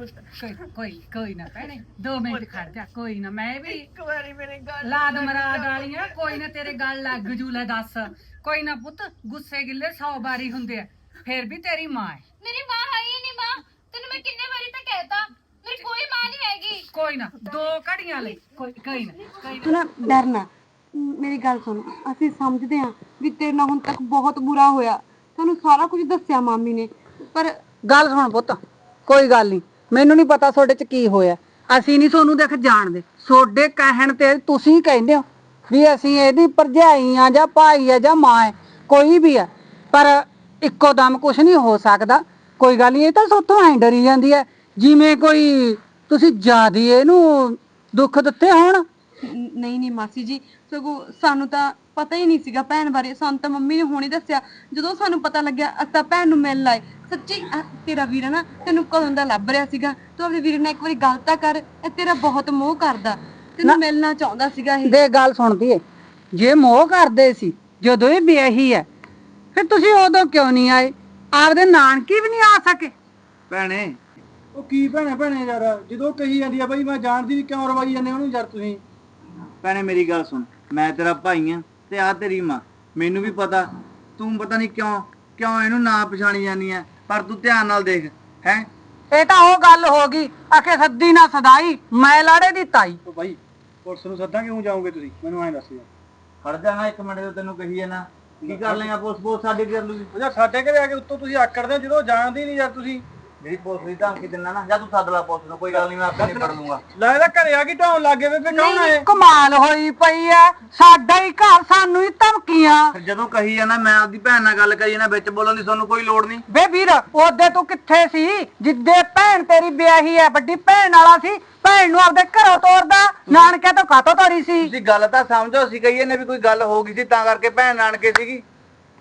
Speaker 2: ਕੋਈ ਨਾ ਭੈਣੇ 2 ਮਿੰਟ ਖੜ ਜਾ ਕੋਈ ਨਾ ਮੈਂ ਵੀ
Speaker 4: ਇੱਕ ਵਾਰੀ ਮੇਰੇ ਗੱਲ
Speaker 2: ਲਾਦ ਮਰਾਦ ਵਾਲੀਆਂ ਕੋਈ ਨਾ ਤੇਰੇ ਗੱਲ ਲੱਗ ਜੂ ਲੈ ਦੱਸ ਕੋਈ ਨਾ ਪੁੱਤ ਗੁੱਸੇ ਗਿੱਲੇ 100 ਵਾਰੀ ਹੁੰਦੇ ਆ ਫਿਰ ਵੀ ਤੇਰੀ ਮਾਂ ਹੈ
Speaker 3: ਮੇਰੀ ਮਾਂ ਹੈ ਹੀ ਨਹੀਂ ਮਾਂ ਤੈਨੂੰ ਮੈਂ ਕਿੰਨੇ ਵਾਰੀ ਤਾਂ ਕਹਿਤਾ ਮੇਰੀ ਕੋਈ ਮਾਂ ਨਹੀਂ ਹੈਗੀ
Speaker 2: ਕੋਈ ਨਾ 2 ਘੜੀਆਂ ਲਈ ਕੋਈ ਨਾ
Speaker 7: ਨਾ ਡਰਨਾ ਮੇਰੀ ਗੱਲ ਸੁਣ ਅਸੀਂ ਸਮਝਦੇ ਹਾਂ ਵੀ ਤੇਰੇ ਨਾਲ ਹੁਣ ਤੱਕ ਬਹੁਤ ਬੁਰਾ ਹੋਇਆ ਤੁਹਾਨੂੰ ਸਾਰਾ ਕੁਝ ਦੱਸਿਆ ਮਾਮੀ ਨੇ ਪਰ
Speaker 2: ਗੱਲ ਸੁਣ ਪੁੱਤ ਕੋਈ ਗੱਲ ਨਹੀਂ ਮੈਨੂੰ ਨਹੀਂ ਪਤਾ ਤੁਹਾਡੇ ਚ ਕੀ ਹੋਇਆ ਅਸੀਂ ਨਹੀਂ ਤੁਹਾਨੂੰ ਦੇਖ ਜਾਣਦੇ ਤੁਹਾਡੇ ਕਹਿਣ ਤੇ ਤੁਸੀਂ ਕਹਿੰਦੇ ਹੋ ਵੀ ਅਸੀਂ ਇਹਦੀ ਭਰਜਾਈ ਆ ਜਾਂ ਭਾਈ ਆ ਜਾਂ ਮਾਂ ਹੈ ਕੋਈ ਵੀ ਆ ਪਰ ਇੱਕੋ ਦਮ ਕੁਝ ਨਹੀਂ ਹੋ ਸਕਦਾ ਕੋਈ ਗੱਲ ਨਹੀਂ ਇਹ ਤਾਂ ਸੋਤੋਂ ਐਂ ਡਰੀ ਜਾਂਦੀ ਹੈ ਜਿਵੇਂ ਕੋਈ ਤੁਸੀਂ ਜ਼ਿਆਦਾ ਇਹਨੂੰ ਦੁੱਖ ਦਿੱਤੇ ਹੋਣ
Speaker 7: ਨਹੀਂ ਨਹੀਂ ਮਾਸੀ ਜੀ ਸਗੋਂ ਸਾਨੂੰ ਤਾਂ ਪਤਾ ਹੀ ਨਹੀਂ ਸੀਗਾ ਭੈਣ ਬਾਰੇ ਸਾਨੂੰ ਤਾਂ ਮੰਮੀ ਨੇ ਹੁਣੇ ਦੱਸਿਆ ਜਦੋਂ ਸਾਨੂੰ ਪਤਾ ਲੱਗਿਆ ਅਸੀਂ ਤਾਂ ਭੈਣ ਨੂੰ ਮਿਲਣ ਆਏ ਸੱਚੀ ਤੇਰਾ ਵੀਰ ਹੈ ਨਾ ਤੈਨੂੰ ਕਦੋਂ ਦਾ ਲੱਭ ਰਿਹਾ ਸੀਗਾ ਤੂੰ ਆਪਣੇ ਵੀਰ ਨਾਲ ਇੱਕ ਵਾਰੀ ਗੱਲ ਤਾਂ ਕਰ ਇਹ ਤੇਰਾ ਬਹੁਤ ਮੋਹ ਕਰਦਾ ਤੈਨੂੰ ਮਿਲਣਾ ਚਾਹੁੰਦਾ ਸੀਗਾ ਇਹ
Speaker 2: ਦੇ ਗੱਲ ਸੁਣਦੀ ਏ ਜੇ ਮੋਹ ਕਰਦੇ ਸੀ ਜਦੋਂ ਇਹ ਵਿਆਹੀ ਹੈ ਫਿਰ ਤੁਸੀਂ ਉਦੋਂ ਕਿਉਂ ਨਹੀਂ ਆਏ ਆਪਦੇ ਨਾਨਕੀ ਵੀ ਨਹੀਂ ਆ ਸਕੇ
Speaker 6: ਭੈਣੇ
Speaker 1: ਉਹ ਕੀ ਭੈਣੇ ਯਾਰ ਜਦੋਂ ਕਹੀ ਜਾਂਦੀ ਆ ਬਾਈ ਮੈਂ ਜਾਣਦੀ ਵੀ ਕਿਉਂ ਰਵਾਈ ਜਾਂਦੇ ਉਹਨੂੰ ਯਾਰ ਤੁਸੀਂ।
Speaker 6: ਭੈਣੇ ਮੇਰੀ ਗੱਲ ਸੁਣ। ਮੈਂ ਤੇਰਾ ਭਾਈ ਆ ਤੇ ਆ ਤੇਰੀ ਮਾਂ। ਮੈਨੂੰ ਵੀ ਪਤਾ ਤੂੰ ਪਤਾ ਨਹੀਂ ਕਿਉਂ ਇਹਨੂੰ ਨਾ ਪਛਾਣੀ ਜਾਂਦੀ ਆ ਪਰ ਤੂੰ ਧਿਆਨ ਨਾਲ ਦੇਖ ਹੈ।
Speaker 2: ਇਹ ਤਾਂ ਉਹ ਗੱਲ ਹੋ ਗਈ ਆਖੇ ਸੱਦੀ ਨਾ ਸਦਾਈ ਮੈਂ ਲਾੜੇ ਦੀ ਤਾਈ
Speaker 1: ਉਹ ਬਾਈ ਪੁਲਿਸ ਨੂੰ ਸੱਦਾਂ ਕਿਉਂ ਜਾਓਗੇ ਤੁਸੀਂ ਮੈਨੂੰ ਐਂ ਦੱਸ ਯਾਰ।
Speaker 6: ਖੜ ਜਾਣਾ ਇੱਕ ਮਿੰਟ ਤੇ ਤੈਨੂੰ ਕਹੀ ਨਾ ਕੀ ਕਰ ਲੇਗਾ ਪੁਲਿਸ ਸਾਡੇ ਕਰ ਲੂਗੀ।
Speaker 1: ਉਹ ਯਾਰ ਸਾਡੇ ਘਰੇ ਆ ਕੇ ਉੱਤੋਂ ਤੁਸੀਂ ਆਕੜਦੇ ਹੋ ਜਦੋਂ ਜਾਣਦੀ ਨਹੀਂ ਯਾਰ ਤੁਸੀਂ।
Speaker 6: ਜਿਹੜੀ ਪੁਲਿਸ ਦੀ ਧਮਕੀ ਦਿੰਦਾ ਨਾ ਜਾਂ ਤੂੰ ਸੱਦ ਲਾ ਪੁਲਿਸ ਨੂੰ ਕੋਈ ਗੱਲ ਨਹੀਂ ਮੈਂ ਆਪੇ ਨਿਬੜ ਲੂੰਗਾ।
Speaker 1: ਲੱਗਦਾ ਘਰੇ ਆ ਕੇ ਢਾਉਣ ਲੱਗੇ ਵੇ ਕੌਣ ਆਏ?
Speaker 2: ਕਮਾਲ ਹੋਈ ਪਈ ਐ ਸਾਡਾ ਹੀ ਘਰ ਸਾਨੂੰ ਹੀ ਧਮਕੀਆਂ
Speaker 6: ਫਿਰ ਜਦੋਂ ਕਹੀ ਜਾਣਾ ਮੈਂ ਆਪਦੀ ਭੈਣ ਨਾਲ ਗੱਲ ਕਰੀ ਜਾਣਾ ਵਿੱਚ ਬੋਲਣ ਦੀ ਤੁਹਾਨੂੰ ਕੋਈ ਲੋੜ ਨਹੀਂ।
Speaker 2: ਵੇ ਵੀਰ ਉਹਦੇ ਤੂੰ ਕਿੱਥੇ ਸੀ ਜਿੱਦੇ ਭੈਣ ਤੇਰੀ ਵਿਆਹੀ ਐ ਵੱਡੀ ਭੈਣ ਵਾਲਾ ਸੀ ਭੈਣ ਨੂੰ ਆਪਦੇ ਘਰੋਂ ਤੋਰਦਾ ਨਾਨਕੇ ਤੋਂ ਕਾਤੋਂ ਤੋਰੀ ਸੀ।
Speaker 6: ਤੁਸੀਂ ਗੱਲ ਤਾਂ ਸਮਝੋ ਅਸੀਂ ਕਹੀਏ ਨੇ ਵੀ ਕੋਈ ਗੱਲ ਹੋ ਗਈ ਸੀ ਤਾਂ ਕਰਕੇ ਭੈਣ ਨਾਨਕੇ ਸੀਗੀ।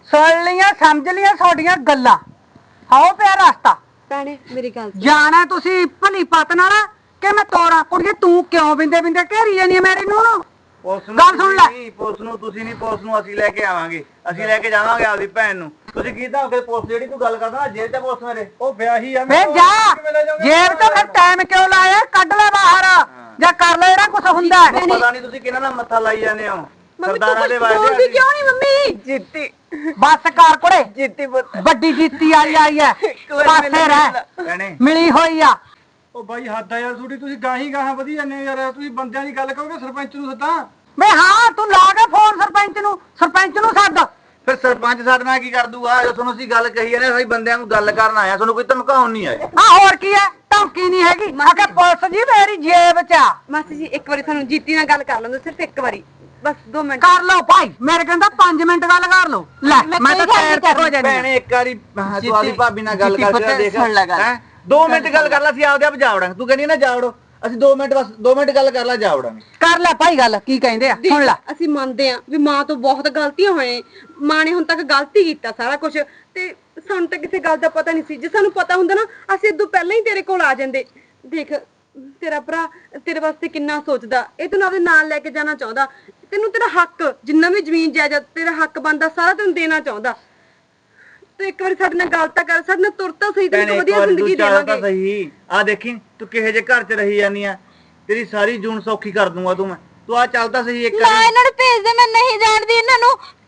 Speaker 2: ਸੁਣ ਲੀਆਂ ਸਮਝ ਲੀਆਂ ਤੁਹਾਡੀਆਂ ਗੱਲਾਂ। ਆਓ ਪਿਆ ਰਸਤਾ
Speaker 7: ਭੈਣੇ ਮੇਰੀ ਗੱਲ ਸੁਣ।
Speaker 2: ਜਾਣਾ ਤੁਸੀਂ ਭਲੀ ਪਤ ਨਾਲ ਕਿ ਮੈਂ ਤੋਰਾਂ? ਕੁੜੀਏ ਤੂੰ ਕਿਉਂ ਬਿੰਦੇ ਬਿੰਦੇ ਘੇਰੀ ਜਾਨੀ ਆ ਮੇਰੀ ਨੂੰ? ਗੱਲ ਸੁਣ ਲੈ।
Speaker 6: ਪੁਲਿਸ ਨੂੰ ਤੁਸੀਂ ਨਹੀਂ, ਪੁਲਿਸ ਨੂੰ ਅਸੀਂ ਲੈ ਕੇ ਆਵਾਂਗੇ, ਅਸੀਂ ਲੈ ਕੇ ਜਾਵਾਂਗੇ ਆਪਦੀ ਭੈਣ ਨੂੰ। ਤੁਸੀਂ ਕੀਤਾ ਕਿ ਪੁਲਿਸ ਜਿਹੜੀ ਤੂੰ ਗੱਲ ਕਰਦਾ ਨਾ ਜੇਲ੍ਹ ਤੇ ਪੁਲਿਸ ਮੇਰੇ
Speaker 1: ਉਹ ਵਿਆਹੀ ਆ
Speaker 2: ਵੇ ਜਾ ਜੇਬ ਤੋਂ ਫਿਰ ਟਾਈਮ ਕਿਉਂ ਲਾਇਆ? ਕੱਢ ਲੈ ਬਾਹਰ ਜਾਂ ਕਰ ਲੈ ਜਿਹੜਾ ਕੁਛ ਹੁੰਦਾ ਹੈ।
Speaker 6: ਪਤਾ ਨਹੀਂ ਤੁਸੀਂ ਕਿਹਨਾਂ ਨਾਲ ਮੱਥਾ ਲਾਈ ਜਾਂਦੇ ਹੋ
Speaker 7: ਮੰਮੀ
Speaker 6: ਸਰਦਾਰਾਂ ਦੇ ਵਾਅਦੇ
Speaker 7: ਬੋਲਦੀ ਕਿਉਂ ਨਹੀਂ ਮੰਮੀ?
Speaker 4: ਜਿੱਤੀ
Speaker 2: ਬਸ ਕਰ ਕੁੜੇ,
Speaker 4: ਜਿੱਤੀ ਪੁੱਤ
Speaker 2: ਵੱਡੀ ਜੀਤੀ ਆਈ ਹੈ ਪਾਸੇ ਰਹਿ,
Speaker 6: ਭੈਣੇ
Speaker 2: ਮਿਲੀ ਹੋਈ ਆ।
Speaker 1: ਉਹ ਬਾਈ ਹੱਦ ਆ ਯਾਰ ਤੁਹਾਡੀ, ਤੁਸੀਂ ਗਾਹੀ ਗਾਹਾਂ ਵਧੀ ਜਾਂਦੇ ਹੋ ਯਾਰ। ਤੁਸੀਂ ਬੰਦਿਆਂ ਦੀ ਗੱਲ ਕਰੋਗੇ ਸਰਪੰਚ ਨੂੰ ਸੱਦਾਂ?
Speaker 2: ਵੇ ਹਾਂ ਤੂੰ ਲਾ ਕੇ ਫੋਨ ਸਰਪੰਚ ਨੂੰ ਸੱਦ।
Speaker 6: ਫਿਰ ਸਰਪੰਚ ਸਾਡੇ ਨਾਲ ਕੀ ਕਰ ਦੂਗਾ? ਜੋ ਤੁਹਾਨੂੰ ਅਸੀਂ ਗੱਲ ਕਹੀ ਜਾਂਦੇ, ਅਸੀਂ ਬੰਦਿਆਂ ਨੂੰ ਗੱਲ ਕਰਨ ਆਇਆ, ਤੁਹਾਨੂੰ ਕੋਈ ਧਮਕਾਉਣ ਨਹੀਂ ਆਇਆ।
Speaker 2: ਆ ਹੋਰ ਕੀ ਹੈ? ਧਮਕੀ ਨਹੀਂ ਹੈਗੀ। ਆ ਕੇ ਪੁਲਿਸ ਜੀ ਮੇਰੀ ਜੇਬ 'ਚ ਆ।
Speaker 7: ਮਾਸੀ ਜੀ ਇੱਕ ਵਾਰੀ ਸਾਨੂੰ ਜੀਤੀ ਨਾਲ ਗੱਲ ਕਰ ਲੈਂਦੇ, ਸਿਰਫ ਇੱਕ ਵਾਰੀ, ਬਸ 2 ਮਿੰਟ।
Speaker 2: ਕਰ ਲਓ ਭਾਈ, ਮੇਰੇ ਕਹਿੰਦਾ 5 ਮਿੰਟ ਗੱਲ ਕਰ ਲਓ। ਲੈ ਮੈਂ ਤਾਂ ਟਾਇਰ ਤੇ ਹੋ ਜਾਣੀ
Speaker 6: ਭੈਣੇ ਇੱਕ ਵਾਰੀ ਤੂੰ ਆਪਦੀ ਭਾਬੀ ਨਾਲ ਗੱਲ
Speaker 4: ਜਿੱਤੀ
Speaker 6: ਕਰਕੇ
Speaker 4: ਪੁੱਤ
Speaker 6: ਦੇਖ
Speaker 4: ਸੁਣ ਲੈ ਗੱਲ।
Speaker 6: ਹੈਂ? 2 ਮਿੰਟ ਗੱਲ ਕਰ ਲੈ, ਅਸੀਂ ਆਪਦੇ ਆਪ ਜਾਵੜਾਂਗੇ। ਤੂੰ ਕਹਿੰਦੀ ਨਾ ਜਾਵੜੋ, ਅਸੀਂ 2 ਮਿੰਟ ਬਸ 2 ਮਿੰਟ ਗੱਲ ਕਰ ਲੈ, ਜਾਵੜਾਂਗੇ।
Speaker 2: ਕਰ ਲੈ ਭਾਈ ਗੱਲ, ਕੀ ਕਹਿੰਦੇ ਆ ਸੁਣ ਲੈ।
Speaker 7: ਅਸੀਂ ਮੰਨਦੇ ਆ ਵੀ ਮਾਂ ਤੋਂ ਬਹੁਤ ਗਲਤੀਆਂ ਹੋਏ, ਮਾਂ ਨੇ ਹੁਣ ਤੱਕ ਗਲਤੀ ਕੀਤਾ ਸਾਰਾ ਕੁਝ, ਤੇ ਸਾਨੂੰ ਤਾਂ ਕਿਸੇ ਗੱਲ ਦਾ ਪਤਾ ਨਹੀਂ ਸੀ। ਜੇ ਸਾਨੂੰ ਪਤਾ ਹੁੰਦਾ ਨਾ ਅਸੀਂ ਇਦੋਂ ਪਹਿਲਾਂ ਹੀ ਤੇਰੇ ਕੋਲ ਆ ਜਾਂਦੇ। ਦੇਖ ਤੇਰਾ ਭਰਾ ਤੇਰੇ ਵਾਸਤੇ ਕਿੰਨਾ ਸੋਚਦਾ, ਇਹ ਤੈਨੂੰ ਆਪਦੇ ਨਾਲ ਲੈ ਕੇ ਜਾਣਾ ਚਾਹੁੰਦਾ, ਤੈਨੂੰ ਤੇਰਾ ਹੱਕ ਜਿੰਨਾ ਵੀ ਜ਼ਮੀਨ ਜਾਇਦਾਦ ਤੇਰਾ ਹੱਕ ਬਣਦਾ ਸਾਰਾ ਤੈਨੂੰ ਦੇਣਾ ਚਾਹੁੰਦਾ। ਤੇ ਇੱਕ ਵਾਰੀ ਸਾਡੇ ਨਾਲ ਗੱਲ ਤਾਂ ਕਰ, ਸਾਡੇ ਨਾਲ ਤੁਰ ਤਾਂ ਸਹੀ, ਤੈਨੂੰ ਵਧੀਆ ਜ਼ਿੰਦਗੀ ਦੇਵਾਂਗੇ।
Speaker 6: ਸਹੀ ਆ ਦੇਖੀ ਤੂੰ ਕਿਹੇ ਜੇ ਘਰ 'ਚ ਰਹੀ ਜਾਨੀ ਆ, ਤੇਰੀ ਸਾਰੀ ਜੂਨ ਸੌਖੀ ਕਰ ਦੂੰਗਾ ਤੂੰ ਮੈਂ। ਤੂੰ ਆ ਚੱਲਦਾ ਸਹੀ ਇੱਕ ਵਾਰੀ।
Speaker 7: ਇਹਨਾਂ ਨੂੰ ਭੇਜ ਦੇ, ਮੈਂ ਨਹੀਂ ਜਾਣਦੀ ਇਹਨਾਂ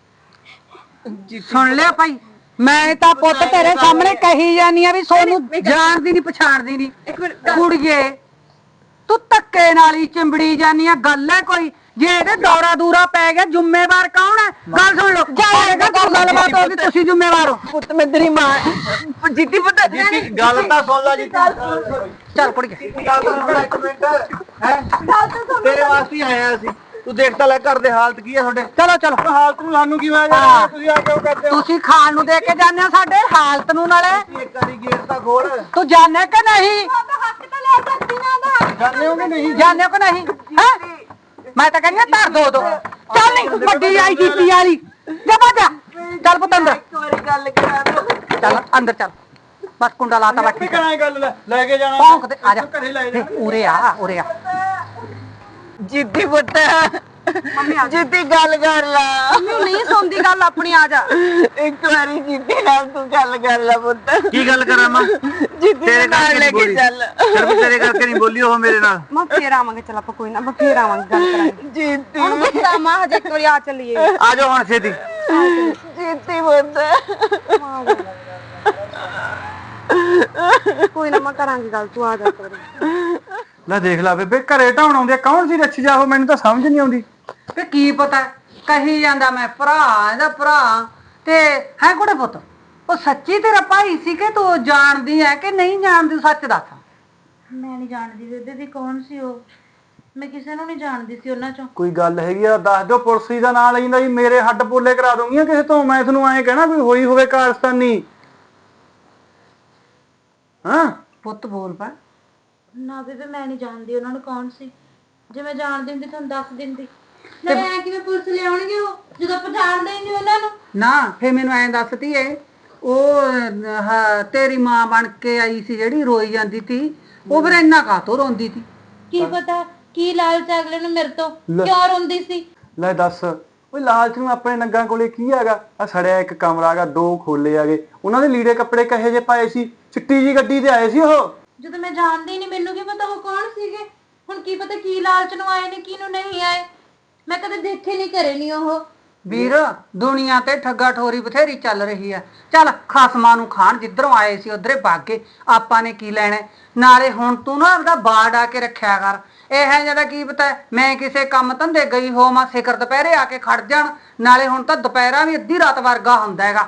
Speaker 7: ਨੂੰ।
Speaker 2: ਸੁਣ ਲਿਆ ਭਾਈ, ਮੈਂ ਤਾਂ ਪੁੱਤ ਤੇਰੇ ਸਾਹਮਣੇ ਕਹੀ ਜਾਨੀ ਆ ਵੀ ਸੋਨੂੰ ਜਾਣਦੀ ਨਹੀਂ ਪਛਾਣਦੀ ਨਹੀਂ।
Speaker 7: ਇੱਕ ਮਿੰਟ
Speaker 2: ਕੁੜੀਏ ਤੂੰ ਧੱਕੇ ਨਾਲ ਹੀ ਚਿੰਬੜੀ ਜਾਨੀ ਆ, ਗੱਲ ਹੈ ਕੋਈ? ਜੇ ਇਹਦੇ ਦੌਰਾ ਦੂਰਾ ਪੈ ਗਿਆ ਜ਼ਿੰਮੇਵਾਰ ਕੌਣ ਹੈ? ਗੱਲ ਸੁਣ ਲਓ, ਜਾਏਗਾ ਗੱਲਬਾਤ ਹੋਗੀ, ਤੁਸੀਂ ਜ਼ਿੰਮੇਵਾਰ ਹੋ।
Speaker 4: ਪੁੱਤ ਮੈਂ ਤੇਰੀ ਮਾਂ। ਜਿੱਤੀ ਪੁੱਤ
Speaker 6: ਜੀਤੀ ਗੱਲ ਤਾਂ ਸੁਣ ਲੈ ਜੀਤੀ।
Speaker 2: ਚੱਲ ਕੁੜੀਏ
Speaker 6: ਗੱਲ ਤਾਂ ਸੁਣ ਲੈ ਇੱਕ ਮਿੰਟ। ਹੈ ਤੇਰੇ ਵਾਸਤੇ ਹੀ ਆਇਆ ਅਸੀਂ। ਤੂੰ ਦੇਖ ਤਾਂ ਲੈ ਘਰ ਦੇ ਹਾਲਤ ਕੀ ਹੈ ਤੁਹਾਡੇ।
Speaker 2: ਚਲੋ ਚਲੋ।
Speaker 1: ਹਾਲਤ ਨੂੰ ਸਾਨੂੰ ਕੀ ਹੋਇਆ ਯਾਰ? ਤੁਸੀਂ ਆ ਕਿਉਂ ਕਰਦੇ ਹੋ?
Speaker 2: ਤੁਸੀਂ ਖਾਣ ਨੂੰ ਦੇ ਕੇ ਜਾਂਦੇ ਹੋ ਸਾਡੇ ਹਾਲਤ ਨੂੰ, ਨਾਲੇ
Speaker 6: ਇੱਕ ਵਾਰੀ ਗੇਟ ਤਾਂ ਖੋਲ।
Speaker 2: ਤੂੰ ਜਾਣੇ ਕਿ ਨਹੀਂ?
Speaker 7: ਹੱਕ ਤਾਂ ਲੈ ਸਕਦੀ ਨਾ ਦਾ।
Speaker 1: ਜਾਣੇ ਹੋ ਕਿ ਨਹੀਂ?
Speaker 2: ਜਾਣੇ ਕਿ ਨਹੀਂ? ਹੈ ਮੈਂ ਤਾਂ ਕਹਿੰਦੀ ਧਰ ਦੋ। ਚੱਲ ਨਹੀਂ ਵੱਡੀ ਆਈ ਜੀਤੀ ਵਾਲੀ, ਜਾ ਬਾਜਾ। ਚੱਲ ਪੁੱਤ ਅੰਦਰ,
Speaker 4: ਇੱਕ ਵਾਰੀ ਗੱਲ ਕਰਾ ਦੋ।
Speaker 2: ਚੱਲ ਅੰਦਰ ਚੱਲ। ਬਸ ਕੁੰਡਾ ਲਾਤਾ ਬੈਠੀ
Speaker 1: ਕਰਾਂ ਗੱਲ ਲੈ ਕੇ ਜਾਣਾ?
Speaker 2: ਭੌਂਕਦੇ ਆ ਜਾ।
Speaker 1: ਘਰੇ ਲੈ ਜਾ।
Speaker 2: ਉਰੇ ਆ ਉਰੇ ਆ।
Speaker 4: ਜਿੱਤੀ ਪੁੱਤ ਜਿੱਤੀ ਗੱਲ ਕਰ ਲਾ।
Speaker 7: ਨਹੀਂ ਸੁਣਦੀ ਗੱਲ ਆਪਣੀ, ਆ ਜਾ।
Speaker 4: ਇੱਕ ਵਾਰੀ ਜਿੱਤੀ ਨਾਲ ਤੂੰ ਗੱਲ ਕਰ ਲਾ ਪੁੱਤ।
Speaker 6: ਕੀ ਗੱਲ ਕਰਾਂ ਮੈਂ?
Speaker 4: ਜਿੱਤੀ
Speaker 6: ਤੇਰੇ
Speaker 4: ਨਾਲ
Speaker 6: ਕਰਕੇ
Speaker 4: ਲੈ
Speaker 6: ਨਹੀਂ
Speaker 4: ਕੇ
Speaker 6: ਬੋਲੀ,
Speaker 4: ਚੱਲ।
Speaker 6: ਸਿਰਫ ਤੇਰੇ ਕਰਕੇ ਨਹੀਂ ਬੋਲੀ ਉਹ ਮੇਰੇ ਨਾਲ।
Speaker 7: ਮੈਂ ਫੇਰ ਆਵਾਂਗੇ, ਚੱਲ ਆਪਾਂ ਕੋਈ ਨਾ, ਆਪਾਂ ਫੇਰ ਆਵਾਂਗੇ, ਗੱਲ ਕਰਾਂਗੇ।
Speaker 4: ਜਿੱਤੀ
Speaker 7: ਹੁਣ ਗੁੱਸਾ ਮਾਂ ਹਜੇ ਇੱਕ ਵਾਰੀ ਆ ਚੱਲੀਏ।
Speaker 6: ਆ ਜਾਓ ਹੁਣ ਛੇਤੀ।
Speaker 4: ਜਿੱਤੀ ਪੁੱਤ।
Speaker 7: ਕੋਈ ਨਾ ਮੈਂ ਕਰਾਂਗੀ ਗੱਲ, ਤੂੰ ਆ ਜਾ ਇੱਕ ਵਾਰੀ।
Speaker 1: ਲੈ ਦੇਖ ਲੈ ਬੇਬੇ, ਘਰੇ ਢਾਉਣ ਆਉਂਦੇ ਕੌਣ ਸੀ ਰੱਛੀ ਜਾਹੋ? ਮੈਨੂੰ ਤਾਂ ਸਮਝ ਨਹੀਂ ਆਉਂਦੀ।
Speaker 2: ਤੇ ਕੀ ਪਤਾ ਕਹੀ ਜਾਂਦਾ ਮੈਂ ਭਰਾ ਇਹਦਾ ਭਰਾ ਤੇ ਹੈ ਕੁੜੇ ਪੁੱਤ। ਉਹ ਸੱਚੀ ਤੇਰਾ ਭਾਈ ਸੀ ਕਿ ਤੂੰ ਜਾਣਦੀ ਹੈ ਕਿ ਨਹੀਂ ਜਾਣਦੀ? ਸੱਚ ਦੱਸ।
Speaker 8: ਮੈਂ ਨਹੀਂ ਜਾਣਦੀ ਬੇਬੇ ਵੀ ਕੌਣ ਸੀ ਉਹ, ਮੈਂ ਕਿਸੇ ਨੂੰ ਨਹੀਂ ਜਾਣਦੀ ਸੀ ਉਹਨਾਂ ਚੋਂ।
Speaker 1: ਕੋਈ ਗੱਲ ਹੈਗੀ ਆ ਦੱਸ ਦਿਓ। ਪੁਲਿਸ ਦਾ ਨਾਂ ਲੈਂਦਾ ਜੀ, ਮੇਰੇ ਹੱਡ ਪੋਲੇ ਕਰਾ ਦੂੰਗੀਆਂ ਕਿਸੇ ਤੋਂ। ਮੈਂ ਤੁਹਾਨੂੰ ਐਂ ਕਹਿਣਾ ਕੋਈ ਹੋਈ ਹੋਵੇ ਕਾਰਸਤਾਨੀ। ਹਾਂ
Speaker 2: ਪੁੱਤ ਬੋਲ ਪਾ।
Speaker 8: ਨਾ ਬੇਬੇ ਮੈਂ ਨਹੀਂ ਜਾਣਦੀ ਉਹਨਾਂ ਨੂੰ ਕੌਣ ਸੀ, ਜੇ ਮੈਂ ਜਾਣਦੀ ਹੁੰਦੀ ਤੁਹਾਨੂੰ ਦੱਸ ਦਿੰਦੀ। ਨਾਲੇ ਐ ਕਿਵੇਂ ਪੁਲਿਸ ਲਿਆਉਣਗੇ ਉਹ, ਜਦੋਂ ਆਪਾਂ ਜਾਣਦੇ ਹੀ ਨਹੀਂ ਉਹਨਾਂ ਨੂੰ।
Speaker 2: ਨਾ ਫੇ ਮੈਨੂੰ ਐਂ ਦੱਸਦੀ ਏ, ਉਹ ਤੇਰੀ ਮਾਂ ਬਣ ਕੇ ਆਈ ਸੀ ਜਿਹੜੀ ਰੋਈ ਜਾਂਦੀ ਸੀ, ਉਹ ਫਿਰ ਇੰਨਾ ਕਾਹਤੋਂ ਰੋਂਦੀ ਸੀ?
Speaker 8: ਕੀ ਪਤਾ ਕੀ ਲਾਲਚ ਅਗਲੇ ਨੂੰ ਮੇਰੇ ਤੋਂ ਕਿਉਂ ਰੋਂਦੀ ਸੀ।
Speaker 1: ਲੈ ਦੱਸ, ਓਏ ਲਾਲਚ ਨੂੰ ਆਪਣੇ ਨੰਗਾ ਕੋਲੇ ਕੀ ਹੈਗਾ? ਆ ਸੜਿਆ ਇੱਕ ਕਮਰਾ ਹੈਗਾ, 2 ਖੋਲੇ ਹੈਗੇ, ਉਹਨਾਂ ਦੇ ਲੀੜੇ ਕੱਪੜੇ ਕਹੇ ਜੇ ਪਾਏ ਸੀ, ਚਿੱਟੀ ਜੀ ਗੱਡੀ ਤੇ ਆਏ ਸੀ ਉਹ।
Speaker 8: ਜਦੋਂ ਮੈਂ ਜਾਣਦੀ ਨਹੀਂ, ਮੈਨੂੰ ਕੀ ਪਤਾ ਉਹ ਕੌਣ ਸੀਗੇ। ਹੁਣ ਕੀ ਪਤਾ ਕੀ ਲਾਲਚ ਨੂੰ ਆਏ ਨੇ, ਕਿਹਨੂੰ ਨਹੀਂ ਆਏ, ਮੈਂ ਕਦੇ ਦੇਖੇ ਨਹੀਂ, ਕਰੇ ਨਹੀਂ ਉਹ।
Speaker 2: ਵੀਰ ਦੁਨੀਆ ਤੇ ਠੱਗਾ ਠੋਰੀ ਬਥੇਰੀ ਚੱਲ ਰਹੀ ਆ। ਚੱਲ ਖਸਮਾਂ ਨੂੰ ਖਾਣ, ਜਿੱਧਰੋਂ ਆਏ ਸੀ ਉਧਰੇ ਭਾਗੇ, ਆਪਾਂ ਨੇ ਕੀ ਲੈਣਾ? ਨਾਲੇ ਹੁਣ ਤੂੰ ਨਾ ਆਪਦਾ ਬਾੜ ਆ ਕੇ ਰੱਖਿਆ ਕਰ। ਇਹ ਜਿਆਦਾ ਕੀ ਪਤਾ ਮੈਂ ਕਿਸੇ ਕੰਮ ਧੰਦੇ ਗਈ ਹੋਵਾਂ, ਸਿਖਰ ਦੁਪਹਿਰੇ ਆ ਕੇ ਖੜ ਜਾਣ। ਨਾਲੇ ਹੁਣ ਤਾਂ ਦੁਪਹਿਰਾ ਵੀ ਅੱਧੀ ਰਾਤ ਵਰਗਾ ਹੁੰਦਾ ਹੈਗਾ।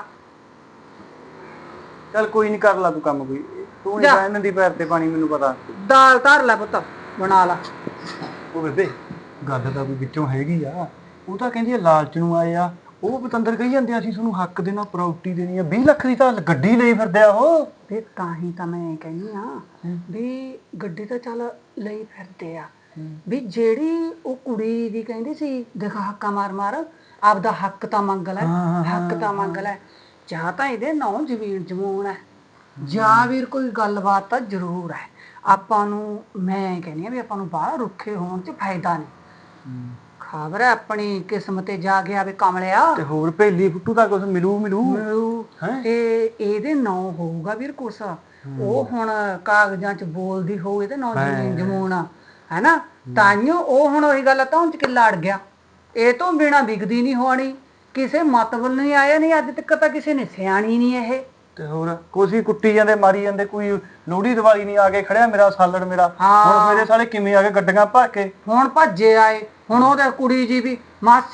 Speaker 1: ਚੱਲ ਕੋਈ ਨਹੀਂ, ਕਰ ਲਾ ਤੂੰ ਕੰਮ ਕੋਈ। ਤੂੰ ਨਹੀਂ ਰਹਿਣ ਦੀ ਪੈਰ ਤੇ ਪਾਣੀ, ਮੈਨੂੰ ਪਤਾ।
Speaker 2: ਦਾਲ ਧਰ ਲੈ ਪੁੱਤ, ਬਣਾ ਲਾ।
Speaker 1: ਉਹ ਬੇਬੇ ਗੱਲ ਤਾਂ ਕੋਈ ਵਿੱਚੋਂ ਹੈਗੀ ਆ। ਉਹ ਤਾਂ ਕਹਿੰਦੀ ਆ ਲਾਲਚ ਨੂੰ ਆਏ ਆ। ਉਹ ਪਤੰਦਰ ਕਹੀ ਜਾਂਦੇ ਅਸੀਂ ਤੁਹਾਨੂੰ ਹੱਕ ਦੇਣਾ, ਪ੍ਰਾਪਰਟੀ ਦੇਣੀ ਆ। 20 ਲੱਖ ਦੀ ਤਾਂ ਗੱਡੀ ਲਈ ਫਿਰਦੇ ਆ ਉਹ।
Speaker 2: ਤੇ ਤਾਂ ਹੀ ਤਾਂ ਮੈਂ ਕਹਿੰਦੀ ਆ ਵੀ ਗੱਡੀ ਤਾਂ ਚੱਲ ਲਈ ਫਿਰਦੇ ਆ, ਵੀ ਜਿਹੜੀ ਉਹ ਕੁੜੀ ਦੀ ਕਹਿੰਦੀ ਸੀ ਦਿਖਾ ਹੱਕਾ ਮਾਰ ਮਾਰ, ਆਪਦਾ ਹੱਕ ਤਾਂ ਮੰਗ ਲੈ, ਹੱਕ ਤਾਂ ਮੰਗ ਲੈ। ਜਾਂ ਤਾਂ ਇਹਦੇ ਨਾਂ ਜ਼ਮੀਨ ਜਮੂਨ ਹੈ, ਜਾਂ ਵੀਰ ਕੋਈ ਗੱਲਬਾਤ ਤਾਂ ਜ਼ਰੂਰ ਹੈ। ਆਪਾਂ ਨੂੰ ਮੈਂ ਕਹਿੰਦੀ ਆ ਵੀ ਆਪਾਂ ਨੂੰ ਬਾਹਰ ਰੁੱਖੇ ਹੋਣ 'ਚ ਫਾਇਦਾ ਨਹੀਂ। ਖਬਰ ਹੈ ਆਪਣੀ ਕਿਸਮਤ ਤੇ ਜਾ ਗਿਆ ਵੀ ਕਮਲਿਆ,
Speaker 6: ਤੇ ਹੋਰ ਭੇਲੀ ਫੁੱਟੂ ਤਾਂ ਕੁਝ ਮਿਲੂ
Speaker 2: ਮਿਲੂ ਤੇ ਇਹਦੇ ਨਾਂ ਹੋਊਗਾ ਵੀਰ ਕੁਛ। ਉਹ ਹੁਣ ਕਾਗਜ਼ਾਂ 'ਚ ਬੋਲਦੀ ਹੋਊ ਇਹਦੇ ਨਾਂ ਜ਼ਮੀਨ ਜਮੂਨ ਹੈ ਨਾ, ਤਾਈਓ ਉਹ ਹੁਣ ਉਹੀ ਗੱਲ ਤਾਂ ਹੁਣ 'ਚ ਕਿੱਲਾ ਅੜ ਗਿਆ। ਇਹ ਤੋਂ ਬਿਨਾ ਵਿਕਦੀ ਨਹੀਂ ਹੋਣੀ, ਕਿਸੇ ਮਤਲਬ ਨਹੀਂ ਆਇਆ ਨਹੀਂ ਅੱਜ ਤੱਕ ਤਾਂ ਕਿਸੇ ਨੇ ਸਿਆਣੀ ਨਹੀਂ ਇਹ।
Speaker 6: ਤੇ ਹੋਰ ਕੋਸੀ ਕੁੱਟੀ ਜਾਂਦੇ ਮਾਰੀ ਜਾਂਦੇ, ਕੋਈ ਲੋਹੜੀ ਦੀਵਾਲੀ ਨਹੀਂ ਆ ਕੇ ਖੜਿਆ ਮੇਰਾ ਸਾਲੜ ਮੇਰਾ। ਹੁਣ ਮੇਰੇ ਸਾਲੇ ਕਿਵੇਂ ਆ ਕੇ ਗੱਡੀਆਂ ਭਰ ਕੇ
Speaker 2: ਹੁਣ ਭੱਜੇ ਆਏ। ਹੁਣ ਉਹਦੇ ਕੁੜੀ ਜੀ ਵੀ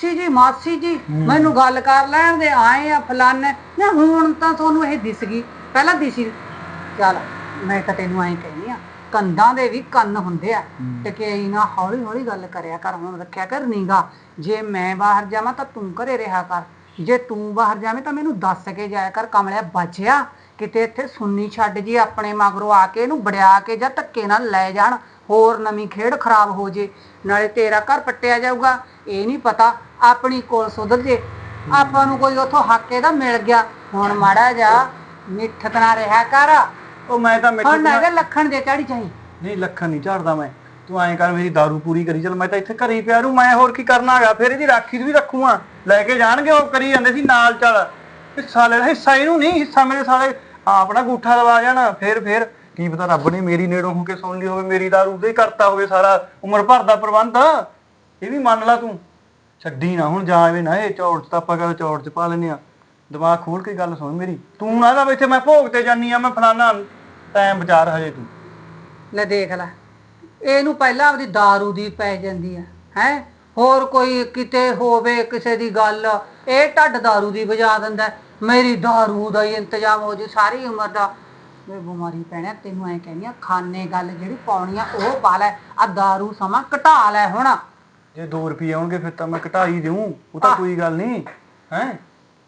Speaker 2: ਮਾਸੀ ਜੀ ਮੈਨੂੰ ਗੱਲ ਕਰ ਲੈਣ ਦੇ, ਆਏ ਆ ਫਲਾਨੇ ਨਾ। ਹੁਣ ਤਾਂ ਤੁਹਾਨੂੰ ਇਹ ਦਿਸ ਗਈ, ਪਹਿਲਾਂ ਦਿਸੀ। ਚੱਲ ਮੈਂ ਤਾਂ ਤੈਨੂੰ ਐਂ ਕਹਿੰਦੀ ਆ, ਕੰਧਾਂ ਦੇ ਵੀ ਕੰਨ ਹੁੰਦੇ ਆ, ਟਕਿਆਈ ਨਾ ਹੌਲੀ ਹੌਲੀ ਗੱਲ ਕਰਿਆ ਕਰ। ਹੁਣ ਰੱਖਿਆ ਕਰ ਨੀਗਾ। ਜੇ ਮੈਂ ਬਾਹਰ ਜਾਵਾਂ ਤਾਂ ਤੂੰ ਘਰੇ ਰਿਹਾ ਕਰ, ਜੇ ਤੂੰ ਬਾਹਰ ਜਾਵੇਂ ਤਾਂ ਮੈਨੂੰ ਦੱਸ ਕੇ ਜਾਇਆ ਕਰ। ਕਮਲਿਆ ਬਚਿਆ ਕਿਤੇ ਇੱਥੇ ਸੁੰਨੀ ਛੱਡ ਜੀ ਆਪਣੇ ਮਗਰੋਂ ਆ ਕੇ ਇਹਨੂੰ ਵੜਿਆ ਕੇ ਜਾਂ ਧੱਕੇ ਨਾਲ ਲੈ ਜਾਣ, ਹੋਰ ਨਵੀਂ ਖੇਡ ਖਰਾਬ ਹੋ ਜੇ, ਨਾਲੇ ਤੇਰਾ ਘਰ ਪੱਟਿਆ ਜਾਊਗਾ। ਇਹ ਨਹੀਂ ਪਤਾ ਆਪਣੀ ਕੋਲ ਸੁਧਰ ਜੇ, ਆਪਾਂ ਨੂੰ ਕੋਈ ਉੱਥੋਂ ਹੱਕ ਇਹਦਾ ਮਿਲ ਗਿਆ। ਹੁਣ ਮਾੜਾ ਜਾ ਮਿੱਠਤ ਨਾ ਰਿਹਾ ਕਰ।
Speaker 6: ਉਹ ਮੈਂ ਤਾਂ
Speaker 2: ਹੁਣ ਨਾ ਇਹਦੇ ਲੱਖਣ ਦੇ ਚੜੀ ਚਾਹੀ।
Speaker 6: ਨਹੀਂ ਲੱਖਾਂ ਨਹੀਂ ਝਾੜਦਾ ਮੈਂ, ਤੂੰ ਐਂ ਕਰ ਮੇਰੀ ਦਾਰੂ ਪੂਰੀ ਕਰੀ ਚੱਲ। ਮੈਂ ਤਾਂ ਇੱਥੇ ਘਰੇ ਹੀ ਪਿਆ ਰੂ, ਮੈਂ ਹੋਰ ਕੀ ਕਰਨਾ ਹੈਗਾ। ਫਿਰ ਇਹਦੀ ਰਾਖੀ ਵੀ ਰੱਖੂਆਂ, ਲੈ ਕੇ ਜਾਣਗੇ। ਉਹ ਕਰੀ ਜਾਂਦੇ ਸੀ ਨਾਲ ਚੱਲ ਹਿੱਸਾ ਲੈ, ਹਿੱਸਾ ਇਹਨੂੰ ਨਹੀਂ, ਹਿੱਸਾ ਮੇਰੇ ਸਾਲੇ ਆਪਣਾ ਗੂਠਾ ਲਵਾ ਜਾਣਾ। ਫਿਰ ਕੀ ਪਤਾ ਰੱਬ ਨੇ ਮੇਰੀ ਨੇੜੋਂ ਹੋ ਕੇ ਸੁਣ ਲਈ ਹੋਵੇ, ਮੇਰੀ ਦਾਰੂ ਤੇ ਕਰਤਾ ਹੋਵੇ ਸਾਰਾ ਉਮਰ ਭਰ ਦਾ ਪ੍ਰਬੰਧ। ਇਹ ਵੀ ਮੰਨ ਲਾ ਤੂੰ, ਛੱਡੀ ਨਾ ਹੁਣ ਜਾਵੇ ਨਾ ਇਹ ਚੌੜ ਚ। ਤਾਂ ਆਪਾਂ ਕਹਿੰਦੇ ਚੌੜ ਚ ਪਾ ਲੈਨੇ ਆ। ਦਿਮਾਗ ਖੋਲ ਕੇ ਗੱਲ ਸੁਣ ਮੇਰੀ, ਤੂੰ ਨਾ ਇੱਥੇ ਮੈਂ ਭੋਗ ਤੇ ਜਾਨੀ ਆ, ਮੈਂ ਫਲਾਨਾ ਟਾਈਮ ਵਿਚਾਰ ਹਜੇ ਤੂੰ।
Speaker 2: ਲੈ ਦੇਖ ਲੈ, ਇਹਨੂੰ ਪਹਿਲਾਂ ਆਪਦੀ ਦਾਰੂ ਦੀ ਪੈ ਜਾਂਦੀ ਹੈ। ਹੋਰ ਕੋਈ ਕਿਤੇ ਹੋਵੇ ਕਿਸੇ ਦੀ ਗੱਲ, ਇਹ ਢੱਡ ਦਾਰੂ ਦੀ ਵਜਾ ਦਿੰਦਾ। ਮੇਰੀ ਦਾਰੂ ਦਾ ਹੀ ਇੰਤਜ਼ਾਮ ਹੋ ਜੇ ਸਾਰੀ ਉਮਰ ਦਾ। ਮੈਂ ਬਿਮਾਰੀ ਪੈਣਾ ਤੈਨੂੰ ਐਂ ਕਹਿੰਦੀ ਆ, ਖਾਨੇ ਗੱਲ ਜਿਹੜੀ ਪਾਉਣੀ ਆ ਉਹ ਪਾ ਲੈ, ਆ ਦਾਰੂ ਸਮਾਂ ਘਟਾ ਲੈ। ਹੁਣ
Speaker 6: ਜੇ 2 ਰੁਪਏ ਆਉਣਗੇ ਫਿਰ ਤਾਂ ਮੈਂ ਘਟਾ ਹੀ ਦੇਊਂ, ਉਹ ਤਾਂ ਕੋਈ ਗੱਲ ਨਹੀਂ ਹੈ।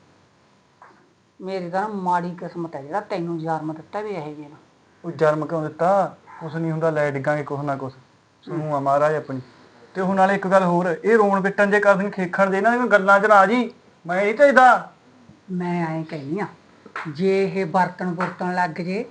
Speaker 2: ਮੇਰੀ ਤਾਂ ਮਾੜੀ ਕਿਸਮਤ ਹੈ ਜਿਹੜਾ ਤੈਨੂੰ ਜਨਮ ਦਿੱਤਾ ਵੀ ਇਹ ਜਿਹੇ।
Speaker 6: ਉਹ ਜਨਮ ਕਿਉਂ ਦਿੱਤਾ? ਕੁਛ ਨਹੀਂ ਹੁੰਦਾ, ਲੈ ਡਿੱਗਾਂਗੇ ਕੁਛ ਨਾ ਕੁਛ, ਸੁਣੂ ਆ ਮਹਾਰਾਜ ਆਪਣੀ। ਤੇ ਹੁਣ ਨਾਲੇ ਇੱਕ ਗੱਲ ਹੋਰ, ਇਹ ਰੋਣ ਪਿੱਟਣ ਜੇ ਕਰਦਣ ਖੇਖਣ ਦੇ ਇਹਨਾਂ ਦੀਆਂ ਗੱਲਾਂ 'ਚ ਨਾ ਜੀ, ਮੈਂ ਨਹੀਂ ਭੇਜਦਾ।
Speaker 2: ਮੈਂ ਐਂ ਕਹਿੰਦੀ ਆ, ਜੇ ਇਹ ਬਰਤਨ ਲੱਗ ਜੇ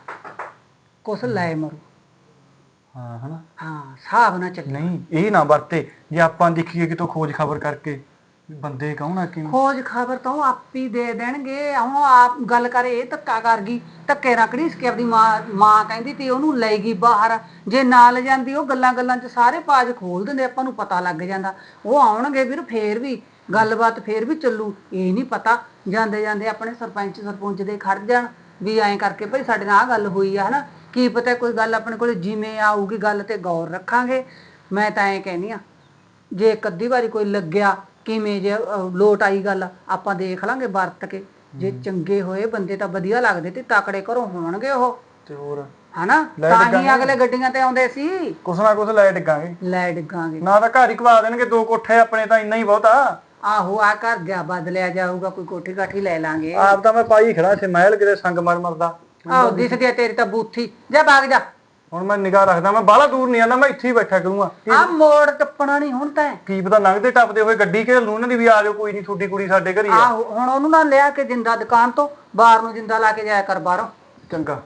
Speaker 2: ਕੁਛ ਲੈ ਮਰੂ।
Speaker 6: ਹਾਂ ਹਨਾ,
Speaker 2: ਹਾਂ ਹਿਸਾਬ ਨਾ ਚੱਲੀ।
Speaker 6: ਨਹੀਂ ਇਹ ਨਾ ਵਰਤੇ। ਜੇ ਆਪਾਂ ਦੇਖੀਏ ਕਿਤੋਂ ਖੋਜ ਖਬਰ ਕਰਕੇ ਬੰਦੇ ਕੌਣ ਆ ਕਿਵੇਂ,
Speaker 2: ਖੋਜ ਖਬਰ ਤਾਂ ਉਹ ਆਪ ਹੀ ਦੇ ਦੇਣਗੇ। ਹੁਣ ਆਪ ਗੱਲ ਕਰੇ, ਇਹ ਧੱਕਾ ਕਰ ਗਈ, ਧੱਕੇ ਨਾਲ ਘੜੀਸ ਕੇ ਆਪਦੀ ਮਾਂ ਕਹਿੰਦੀ ਤੀ ਉਹਨੂੰ ਲੈ ਗਈ ਬਾਹਰ। ਜੇ ਨਾਲ ਜਾਂਦੀ ਉਹ ਗੱਲਾਂ 'ਚ ਸਾਰੇ ਪਾਜ ਖੋਲ ਦਿੰਦੇ, ਆਪਾਂ ਨੂੰ ਪਤਾ ਲੱਗ ਜਾਂਦਾ। ਉਹ ਆਉਣਗੇ ਵੀਰ, ਫੇਰ ਵੀ ਗੱਲਬਾਤ ਫੇਰ ਵੀ ਚੱਲੂ। ਇਹ ਨਹੀਂ ਪਤਾ ਜਾਂਦੇ ਆਪਣੇ ਸਰਪੰਚ ਦੇ ਖੜ ਜਾਣ ਵੀ ਐਂ ਕਰਕੇ ਭਾਈ ਸਾਡੇ ਨਾਲ ਆਹ ਗੱਲ ਹੋਈ ਆ, ਹਨਾ। ਕੀ ਪਤਾ ਕੋਈ ਗੱਲ ਆਪਣੇ ਕੋਲ ਜਿਵੇਂ ਆਊਗੀ, ਗੱਲ ਤੇ ਗੌਰ ਰੱਖਾਂਗੇ। ਮੈਂ ਤਾਂ ਐਂ ਕਹਿੰਦੀ ਆ, ਜੇ ਇੱਕ ਅੱਧੀ ਵਾਰੀ ਕੋਈ ਲੱਗਿਆ ਕਿਵੇਂ ਜੇ ਲੋਟ ਆਈ ਗੱਲ, ਆਪਾਂ ਦੇਖ ਲਾਂਗੇ ਵਰਤ ਕੇ। ਜੇ ਚੰਗੇ ਹੋਏ ਬੰਦੇ ਤਾਂ ਵਧੀਆ ਲੱਗਦੇ ਤੇ ਤਕੜੇ ਘਰੋਂ ਹੋਣਗੇ ਉਹ,
Speaker 6: ਤੇ ਹੋਰ
Speaker 2: ਹਨਾ। ਤਾਂ ਹੀ ਅਗਲੇ ਗੱਡੀਆਂ ਤੇ ਆਉਂਦੇ ਸੀ।
Speaker 6: ਕੁਛ ਨਾ ਕੁਛ ਲੈ ਡਿੱਗਾਂਗੇ,
Speaker 2: ਲੈ ਡਿੱਗਾਂਗੇ
Speaker 6: ਨਾ ਤਾਂ ਘਰ ਹੀ ਖਵਾ ਦੇਣਗੇ 2 ਕੋਠੇ ਆਪਣੇ, ਤਾਂ ਇੰਨਾ ਹੀ ਬਹੁਤਾ।
Speaker 2: ਆਹੋ ਆ ਘਰ ਜਾ ਬਦਲਿਆ ਜਾਊਗਾ, ਕੋਈ ਕੋਠੀ ਕਾਠੀ ਲੈ ਲਾਂਗੇ।
Speaker 6: ਆਪ ਤਾਂ ਮੈਂ ਪਾਈ ਖੜਾ ਸੀ ਮਹਿਲ ਕਿਤੇ ਸੰਗ ਮਰਦਾ।
Speaker 2: ਆਹੋ ਦਿਸਦੀ ਆ ਤੇਰੀ ਤਾਂ ਬੂਥੀ। ਜਾ ਬਾਗ ਜਾ।
Speaker 6: ਹੁਣ ਮੈਂ ਨਿਗਾਹ ਰੱਖਦਾ, ਮੈਂ ਬਾਹਲਾ ਦੂਰ ਨਹੀਂ ਆਉਂਦਾ, ਮੈਂ ਇੱਥੇ ਹੀ ਬੈਠਾ ਕਰੂੰਗਾ।
Speaker 2: ਆ ਮੋੜ ਟੱਪਣਾ ਨਹੀਂ ਹੁਣ ਤਾਂ।
Speaker 6: ਕੀ ਪਤਾ ਲੰਘਦੇ ਟੱਪਦੇ ਹੋਏ ਗੱਡੀ ਘੇਰ ਲੂ ਉਹਨਾਂ ਦੀ ਵੀ, ਆ ਜਾਓ ਕੋਈ ਨਹੀਂ, ਤੁਹਾਡੀ ਕੁੜੀ ਸਾਡੇ ਘਰ ਹੀ ਆ।
Speaker 2: ਆਹੋ ਹੁਣ ਉਹਨੂੰ ਨਾ ਲਿਆ ਕੇ ਜਿੰਦਾ ਦੁਕਾਨ ਤੋਂ ਬਾਹਰ ਨੂੰ ਜਿੰਦਾ ਲਾ ਕੇ ਜਾਇਆ ਕਰ ਬਾਹਰੋਂ।
Speaker 6: ਚੰਗਾ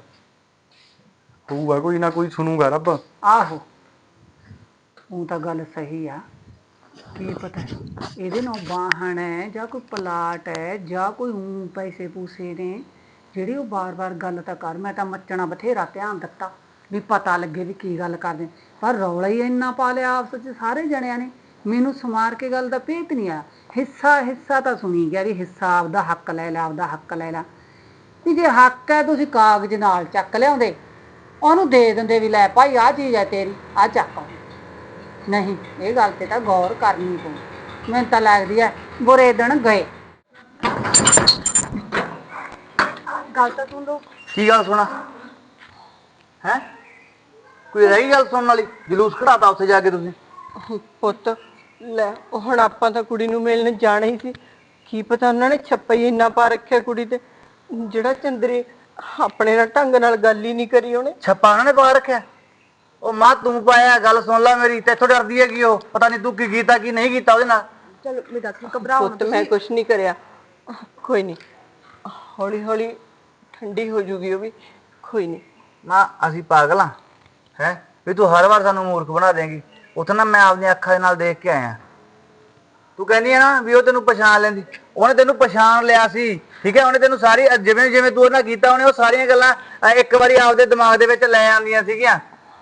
Speaker 6: ਹੋਊਗਾ, ਕੋਈ ਨਾ ਕੋਈ ਸੁਣੂਗਾ ਰੱਬ।
Speaker 2: ਆਹੋ ਉਹ ਤਾਂ ਗੱਲ ਸਹੀ ਆ। ਕੀ ਪਤਾ ਇਹਦੇ ਨਾਲ ਵਾਹਣ ਹੈ ਜਾਂ ਕੋਈ ਪਲਾਟ ਹੈ ਜਾਂ ਕੋਈ ਪੈਸੇ ਪੂਸੇ ਨੇ ਜਿਹੜੀ ਉਹ ਬਾਰ-ਬਾਰ ਗੱਲ ਤਾਂ ਕਰ। ਮੈਂ ਤਾਂ ਮੱਚਣਾ ਬਥੇਰਾ ਧਿਆਨ ਦਿੱਤਾ ਵੀ ਪਤਾ ਲੱਗੇ ਵੀ ਕੀ ਗੱਲ ਕਰਦੇ, ਪਰ ਰੌਲਾ ਹੀ ਇੰਨਾ ਪਾ ਲਿਆ ਆਪਸ 'ਚ ਸਾਰੇ ਜਣਿਆਂ ਨੇ। ਮੈਨੂੰ ਸਮਾਰ ਕੇ ਗੱਲ ਦਾ ਭੇਤ ਨਹੀਂ ਆ। ਹਿੱਸਾ ਤਾਂ ਸੁਣੀ ਗਿਆ ਵੀ ਹਿੱਸਾ ਆਪਦਾ ਹੱਕ ਲੈ ਲਾ, ਆਪਦਾ ਹੱਕ ਲੈ ਲਾ। ਵੀ ਜੇ ਹੱਕ ਹੈ ਤੁਸੀਂ ਕਾਗਜ਼ ਨਾਲ ਚੱਕ ਲਿਆਉਂਦੇ, ਉਹਨੂੰ ਦੇ ਦਿੰਦੇ ਵੀ ਲੈ ਭਾਈ ਆਹ ਚੀਜ਼ ਹੈ ਤੇਰੀ, ਆਹ ਚੱਕ। ਨਹੀਂ, ਇਹ ਗੱਲ ਤੇ ਤਾਂ ਗੌਰ ਕਰਨੀ ਪਊ। ਮੈਨੂੰ ਤਾਂ ਲੱਗਦੀ ਹੈ ਬੁਰੇ ਦਿਨ ਗਏ। ਗੱਲ ਤਾਂ ਸੁਣ ਲਓ।
Speaker 6: ਕੀ ਗੱਲ ਸੁਣਾ ਹੈ? ਕੋਈ ਰਹੀ ਗੱਲ ਸੁਣਨ ਵਾਲੀ? ਜਲੂਸ ਕਢਾਤਾ ਉੱਥੇ ਜਾ ਕੇ ਤੁਸੀਂ।
Speaker 4: ਪੁੱਤ ਲੈ, ਹੁਣ ਆਪਾਂ ਤਾਂ ਕੁੜੀ ਨੂੰ ਮਿਲਣ ਜਾਣਾ ਹੀ ਸੀ। ਕੀ ਪਤਾ ਉਹਨਾਂ ਨੇ ਛੱਪਾ ਹੀ ਇੰਨਾ ਪਾ ਰੱਖਿਆ ਕੁੜੀ ਤੇ, ਜਿਹੜਾ ਚੰਦਰੇ ਆਪਣੇ ਨਾਲ ਢੰਗ ਨਾਲ ਗੱਲ ਹੀ ਨਹੀਂ ਕਰੀ ਉਹਨੇ।
Speaker 6: ਛੱਪਾ ਉਹਨਾਂ ਨੇ ਪਾ ਰੱਖਿਆ? ਉਹ ਮਾਂ ਤੂੰ ਪਾਇਆ, ਗੱਲ ਸੁਣ ਲੈ ਮੇਰੀ। ਤੇਥੋਂ ਡਰਦੀ ਹੈਗੀ ਉਹ, ਪਤਾ ਨਹੀਂ ਤੂੰ ਕੀ ਕੀਤਾ ਕੀ ਨਹੀਂ ਕੀਤਾ ਉਹਦੇ ਨਾਲ।
Speaker 7: ਚਲੋ ਮੇਰੀ ਗੱਲ ਸੁਣ, ਘਬਰਾਓ ਨਾ
Speaker 4: ਪੁੱਤ ਮੈਂ ਕੁਛ ਨਹੀਂ ਕਰਿਆ, ਕੋਈ ਨਹੀਂ, ਹੌਲੀ ਹੌਲੀ ਠੰਡੀ ਹੋ ਜੂਗੀ ਉਹ ਵੀ, ਕੋਈ ਨਹੀਂ।
Speaker 6: ਨਾ ਅਸੀਂ ਪਾਗਲ ਆ ਹੈ ਵੀ ਤੂੰ ਹਰ ਵਾਰ ਸਾਨੂੰ ਮੂਰਖ ਬਣਾ ਦੇਂਗੀ। ਉੱਥੇ ਨਾ ਮੈਂ ਆਪਣੀਆਂ ਅੱਖਾਂ ਦੇ ਨਾਲ ਦੇਖ ਕੇ ਆਇਆ। ਤੂੰ ਕਹਿੰਦੀ ਆ ਨਾ ਵੀ ਉਹ ਤੈਨੂੰ ਪਛਾਣ ਲੈਂਦੀ, ਉਹਨੇ ਤੈਨੂੰ ਪਛਾਣ ਲਿਆ ਸੀ, ਠੀਕ ਹੈ। ਉਹਨੇ ਤੈਨੂੰ ਸਾਰੀ ਜਿਵੇਂ ਜਿਵੇਂ ਤੂੰ ਉਹਨਾਂ ਕੀਤਾ, ਉਹਨੇ ਉਹ ਸਾਰੀਆਂ ਗੱਲਾਂ ਇੱਕ ਵਾਰੀ ਆਪਦੇ ਦਿਮਾਗ ਦੇ ਵਿੱਚ ਲੈ ਆਉਂਦੀਆਂ ਸੀਗੀਆਂ,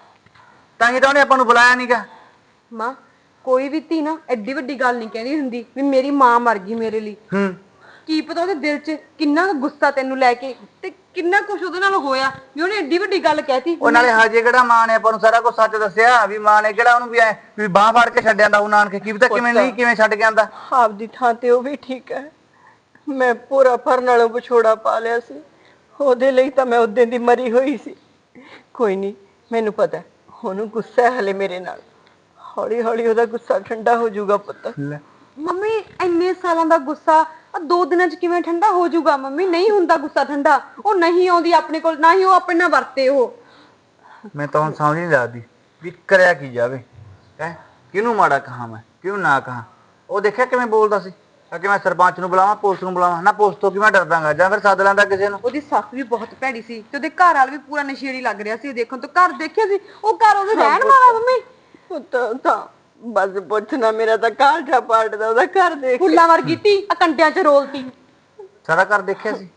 Speaker 6: ਤਾਂ ਹੀ ਤਾਂ ਉਹਨੇ ਆਪਾਂ ਨੂੰ ਬੁਲਾਇਆ ਨਹੀਂਗਾ।
Speaker 7: ਮਾਂ ਕੋਈ ਵੀ ਧੀ ਨਾ ਐਡੀ ਵੱਡੀ ਗੱਲ ਨਹੀਂ ਕਹਿੰਦੀ ਹੁੰਦੀ ਵੀ ਮੇਰੀ ਮਾਂ ਮਰ ਗਈ ਮੇਰੇ ਲਈ। ਕੀ ਪਤਾ ਉਹਦੇ ਦਿਲ 'ਚ ਕਿੰਨਾ ਕੁ ਗੁੱਸਾ ਤੈਨੂੰ ਲੈ ਕੇ ਤੇ ਕਿੰਨਾ ਕੁਛ ਉਹਦੇ ਨਾਲ ਹੋਇਆ ਵੀ ਉਹਨੇ ਐਡੀ ਵੱਡੀ ਗੱਲ ਕਹਿਤੀ।
Speaker 6: ਉਹ ਨਾਲੇ ਹਜੇ ਕਿਹੜਾ ਮਾਂ ਨੇ ਆਪਾਂ ਨੂੰ ਸਾਰਾ ਕੁਝ ਸੱਚ ਦੱਸਿਆ ਵੀ ਮਾਂ ਨੇ ਕਿਹੜਾ ਉਹਨੂੰ ਵੀ ਬਾਹ ਫੜ ਕੇ ਛੱਡ ਆਂਦਾ ਉਹ ਨਾਨਕੇ, ਕੀ ਪਤਾ ਕਿਵੇਂ ਨਹੀਂ ਕਿਵੇਂ ਛੱਡ ਕੇ ਆਂਦਾ।
Speaker 4: ਆਪਦੀ ਥਾਂ ਤੇ ਉਹ ਵੀ ਠੀਕ ਹੈ, ਮੈਂ ਪੂਰਾ ਫਰ ਨਾਲੋਂ ਵਿਛੋੜਾ ਪਾ ਲਿਆ ਸੀ, ਉਹਦੇ ਲਈ ਤਾਂ ਮੈਂ ਉਦੋਂ ਦੀ ਮਰੀ ਹੋਈ ਸੀ। ਕੋਈ ਨਹੀਂ, ਮੈਨੂੰ ਪਤਾ ਉਹਨੂੰ ਗੁੱਸਾ ਹੈ ਹਲੇ ਮੇਰੇ ਨਾਲ, ਹੌਲੀ ਹੌਲੀ ਉਹਦਾ ਗੁੱਸਾ ਠੰਡਾ ਹੋ ਜਾਊਗਾ ਪੁੱਤ।
Speaker 7: ਮੰਮੀ ਇੰਨੇ ਸਾਲਾਂ ਦਾ ਗੁੱਸਾ ਆ 2 ਦਿਨਾਂ 'ਚ ਕਿਵੇਂ ਠੰਡਾ ਹੋ ਜਾਊਗਾ? ਮੰਮੀ ਨਹੀਂ ਹੁੰਦਾ ਗੁੱਸਾ ਠੰਡਾ, ਉਹ ਨਹੀਂ ਆਉਂਦੀ ਆਪਣੇ ਕੋਲ, ਨਾ ਹੀ ਉਹ ਆਪਣੇ ਨਾਲ ਵਰਤੇ। ਉਹ
Speaker 6: ਮੈਂ ਤਾਂ ਹੁਣ ਸਮਝ ਨਹੀਂ ਲੱਗਦੀ ਵੀ ਕਰਿਆ ਕੀ ਜਾਵੇ ਹੈ, ਕਿਹਨੂੰ ਮਾੜਾ ਕਹਾਂ ਮੈਂ ਕਿਹਨੂੰ ਨਾ ਕਹਾਂ। ਉਹ ਦੇਖਿਆ ਕਿਵੇਂ ਬੋਲਦਾ ਸੀ ਕਿ ਮੈਂ ਸਰਪੰਚ ਨੂੰ ਬੁਲਾਵਾਂ, ਪੁਲਿਸ ਨੂੰ ਬੁਲਾਵਾਂ, ਨਾ ਪੁਲਿਸ ਤੋਂ ਕਿ ਮੈਂ ਡਰਦਾਂਗਾ ਜਾਂ ਫਿਰ ਸੱਦ ਲੈਂਦਾ ਕਿਸੇ ਨੂੰ।
Speaker 7: ਉਹਦੀ ਸੱਸ ਵੀ ਬਹੁਤ ਭੈੜੀ ਸੀ ਤੇ ਉਹਦੇ ਘਰ ਵਾਲਾ ਵੀ ਪੂਰਾ ਨਸ਼ੇੜੀ ਲੱਗ ਰਿਹਾ ਸੀ ਦੇਖਣ ਤੋਂ। ਘਰ ਦੇਖਿਆ ਸੀ ਉਹ, ਘਰ ਉਹਦੇ ਰਹਿਣ ਵਾਲਾ। ਮੰਮੀ
Speaker 4: ਪੁੱਤ ਤਾਂ ਬਸ ਪੁੱਛਣਾ, ਮੇਰਾ ਤਾਂ ਕਾਲਜਾ ਪਾਟਦਾ ਉਹਦਾ ਘਰ ਦੇਖ ਕੇ।
Speaker 7: ਫੁੱਲਾਂ ਵਰਗੀ ਧੀ ਆ ਕੰਡਿਆਂ 'ਚ ਰੋਲਤੀ।
Speaker 6: ਸਾਰਾ ਘਰ ਦੇਖਿਆ ਸੀ,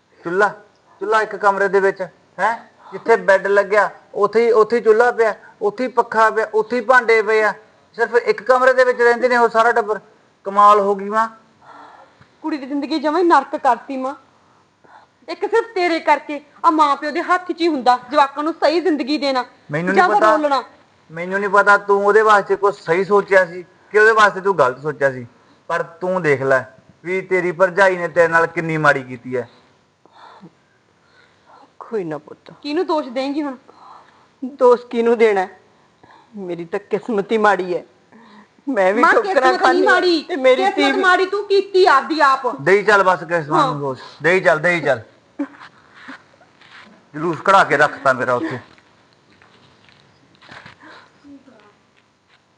Speaker 6: ਚੁੱਲ੍ਹਾ ਇੱਕ ਕਮਰੇ ਦੇ ਵਿੱਚ ਹੈ, ਜਿੱਥੇ ਬੈੱਡ ਲੱਗਿਆ ਉੱਥੇ ਹੀ ਚੁੱਲ੍ਹਾ ਪਿਆ, ਉੱਥੇ ਹੀ ਪੱਖਾ ਪਿਆ, ਉੱਥੇ ਹੀ ਭਾਂਡੇ ਪਏ ਆ। ਸਿਰਫ ਇੱਕ ਕਮਰੇ ਦੇ ਵਿੱਚ ਰਹਿੰਦੇ ਨੇ ਉਹ ਸਾਰਾ ਟੱਬਰ। ਕਮਾਲ ਹੋ ਗਈ ਮਾਂ।
Speaker 7: ਕੁੜੀ ਦੀ ਜ਼ਿੰਦਗੀ ਜਮਾਂ ਹੀ ਨਰਕ ਕਰਤੀ ਮਾਂ, ਇੱਕ ਸਿਰਫ ਤੇਰੇ ਕਰਕੇ। ਆ ਮਾਂ ਪਿਓ ਦੇ ਹੱਥ 'ਚ ਹੀ ਹੁੰਦਾ ਜਵਾਕਾਂ ਨੂੰ ਸਹੀ ਜ਼ਿੰਦਗੀ ਦੇਣਾ
Speaker 6: ਮੈਨੂੰ
Speaker 7: ਜਾਂ
Speaker 6: ਨਹੀਂ
Speaker 7: ਫਿਰ
Speaker 6: ਪਤਾ,
Speaker 7: ਰੋਲਣਾ।
Speaker 6: ਮੈਨੂੰ ਨਹੀਂ ਪਤਾ ਤੂੰ ਉਹਦੇ ਵਾਸਤੇ ਕੁਝ ਸਹੀ ਸੋਚਿਆ ਸੀ ਕਿ ਉਹਦੇ ਵਾਸਤੇ ਤੂੰ ਗਲਤ ਸੋਚਿਆ ਸੀ, ਪਰ ਤੂੰ ਦੇਖ ਲੈ ਵੀ ਤੇਰੀ ਭਰਜਾਈ ਨੇ ਤੇਰੇ ਨਾਲ ਕਿੰਨੀ ਮਾੜੀ ਕੀਤੀ ਹੈ।
Speaker 4: ਕੋਈ ਨਾ ਪੁੱਤ,
Speaker 7: ਕਿਹਨੂੰ ਦੋਸ਼ ਦੇਂਗੀ ਹੁਣ?
Speaker 4: ਦੋਸਤ ਕਿਹਨੂੰ ਦੇਣਾ? ਮੇਰੀ ਤਾਂ ਕਿਸਮਤ ਹੀ ਮਾੜੀ ਹੈ, ਮੈਂ ਵੀ
Speaker 7: ਮਾਂ
Speaker 4: ਠੋਕਰਾਂ
Speaker 7: ਕਿਸਮਤ
Speaker 4: ਖਾਣੀ
Speaker 7: ਨਹੀਂ ਮਾੜੀ,
Speaker 4: ਤੇ ਮੇਰੀ ਧੀ
Speaker 7: ਕਿਸਮਤ ਮਾੜੀ ਤੂੰ ਕੀਤੀ ਆਪਦੀ ਆਪ।
Speaker 6: ਦੇਈ ਚੱਲ ਬਸ ਕਿਸਮਾਂ ਨੂੰ ਦੋਸ਼, ਦੇਈ ਚੱਲ ਜਲੂਸ ਕਢਾ ਕੇ ਰੱਖਤਾ ਮੇਰਾ ਉੱਥੇ।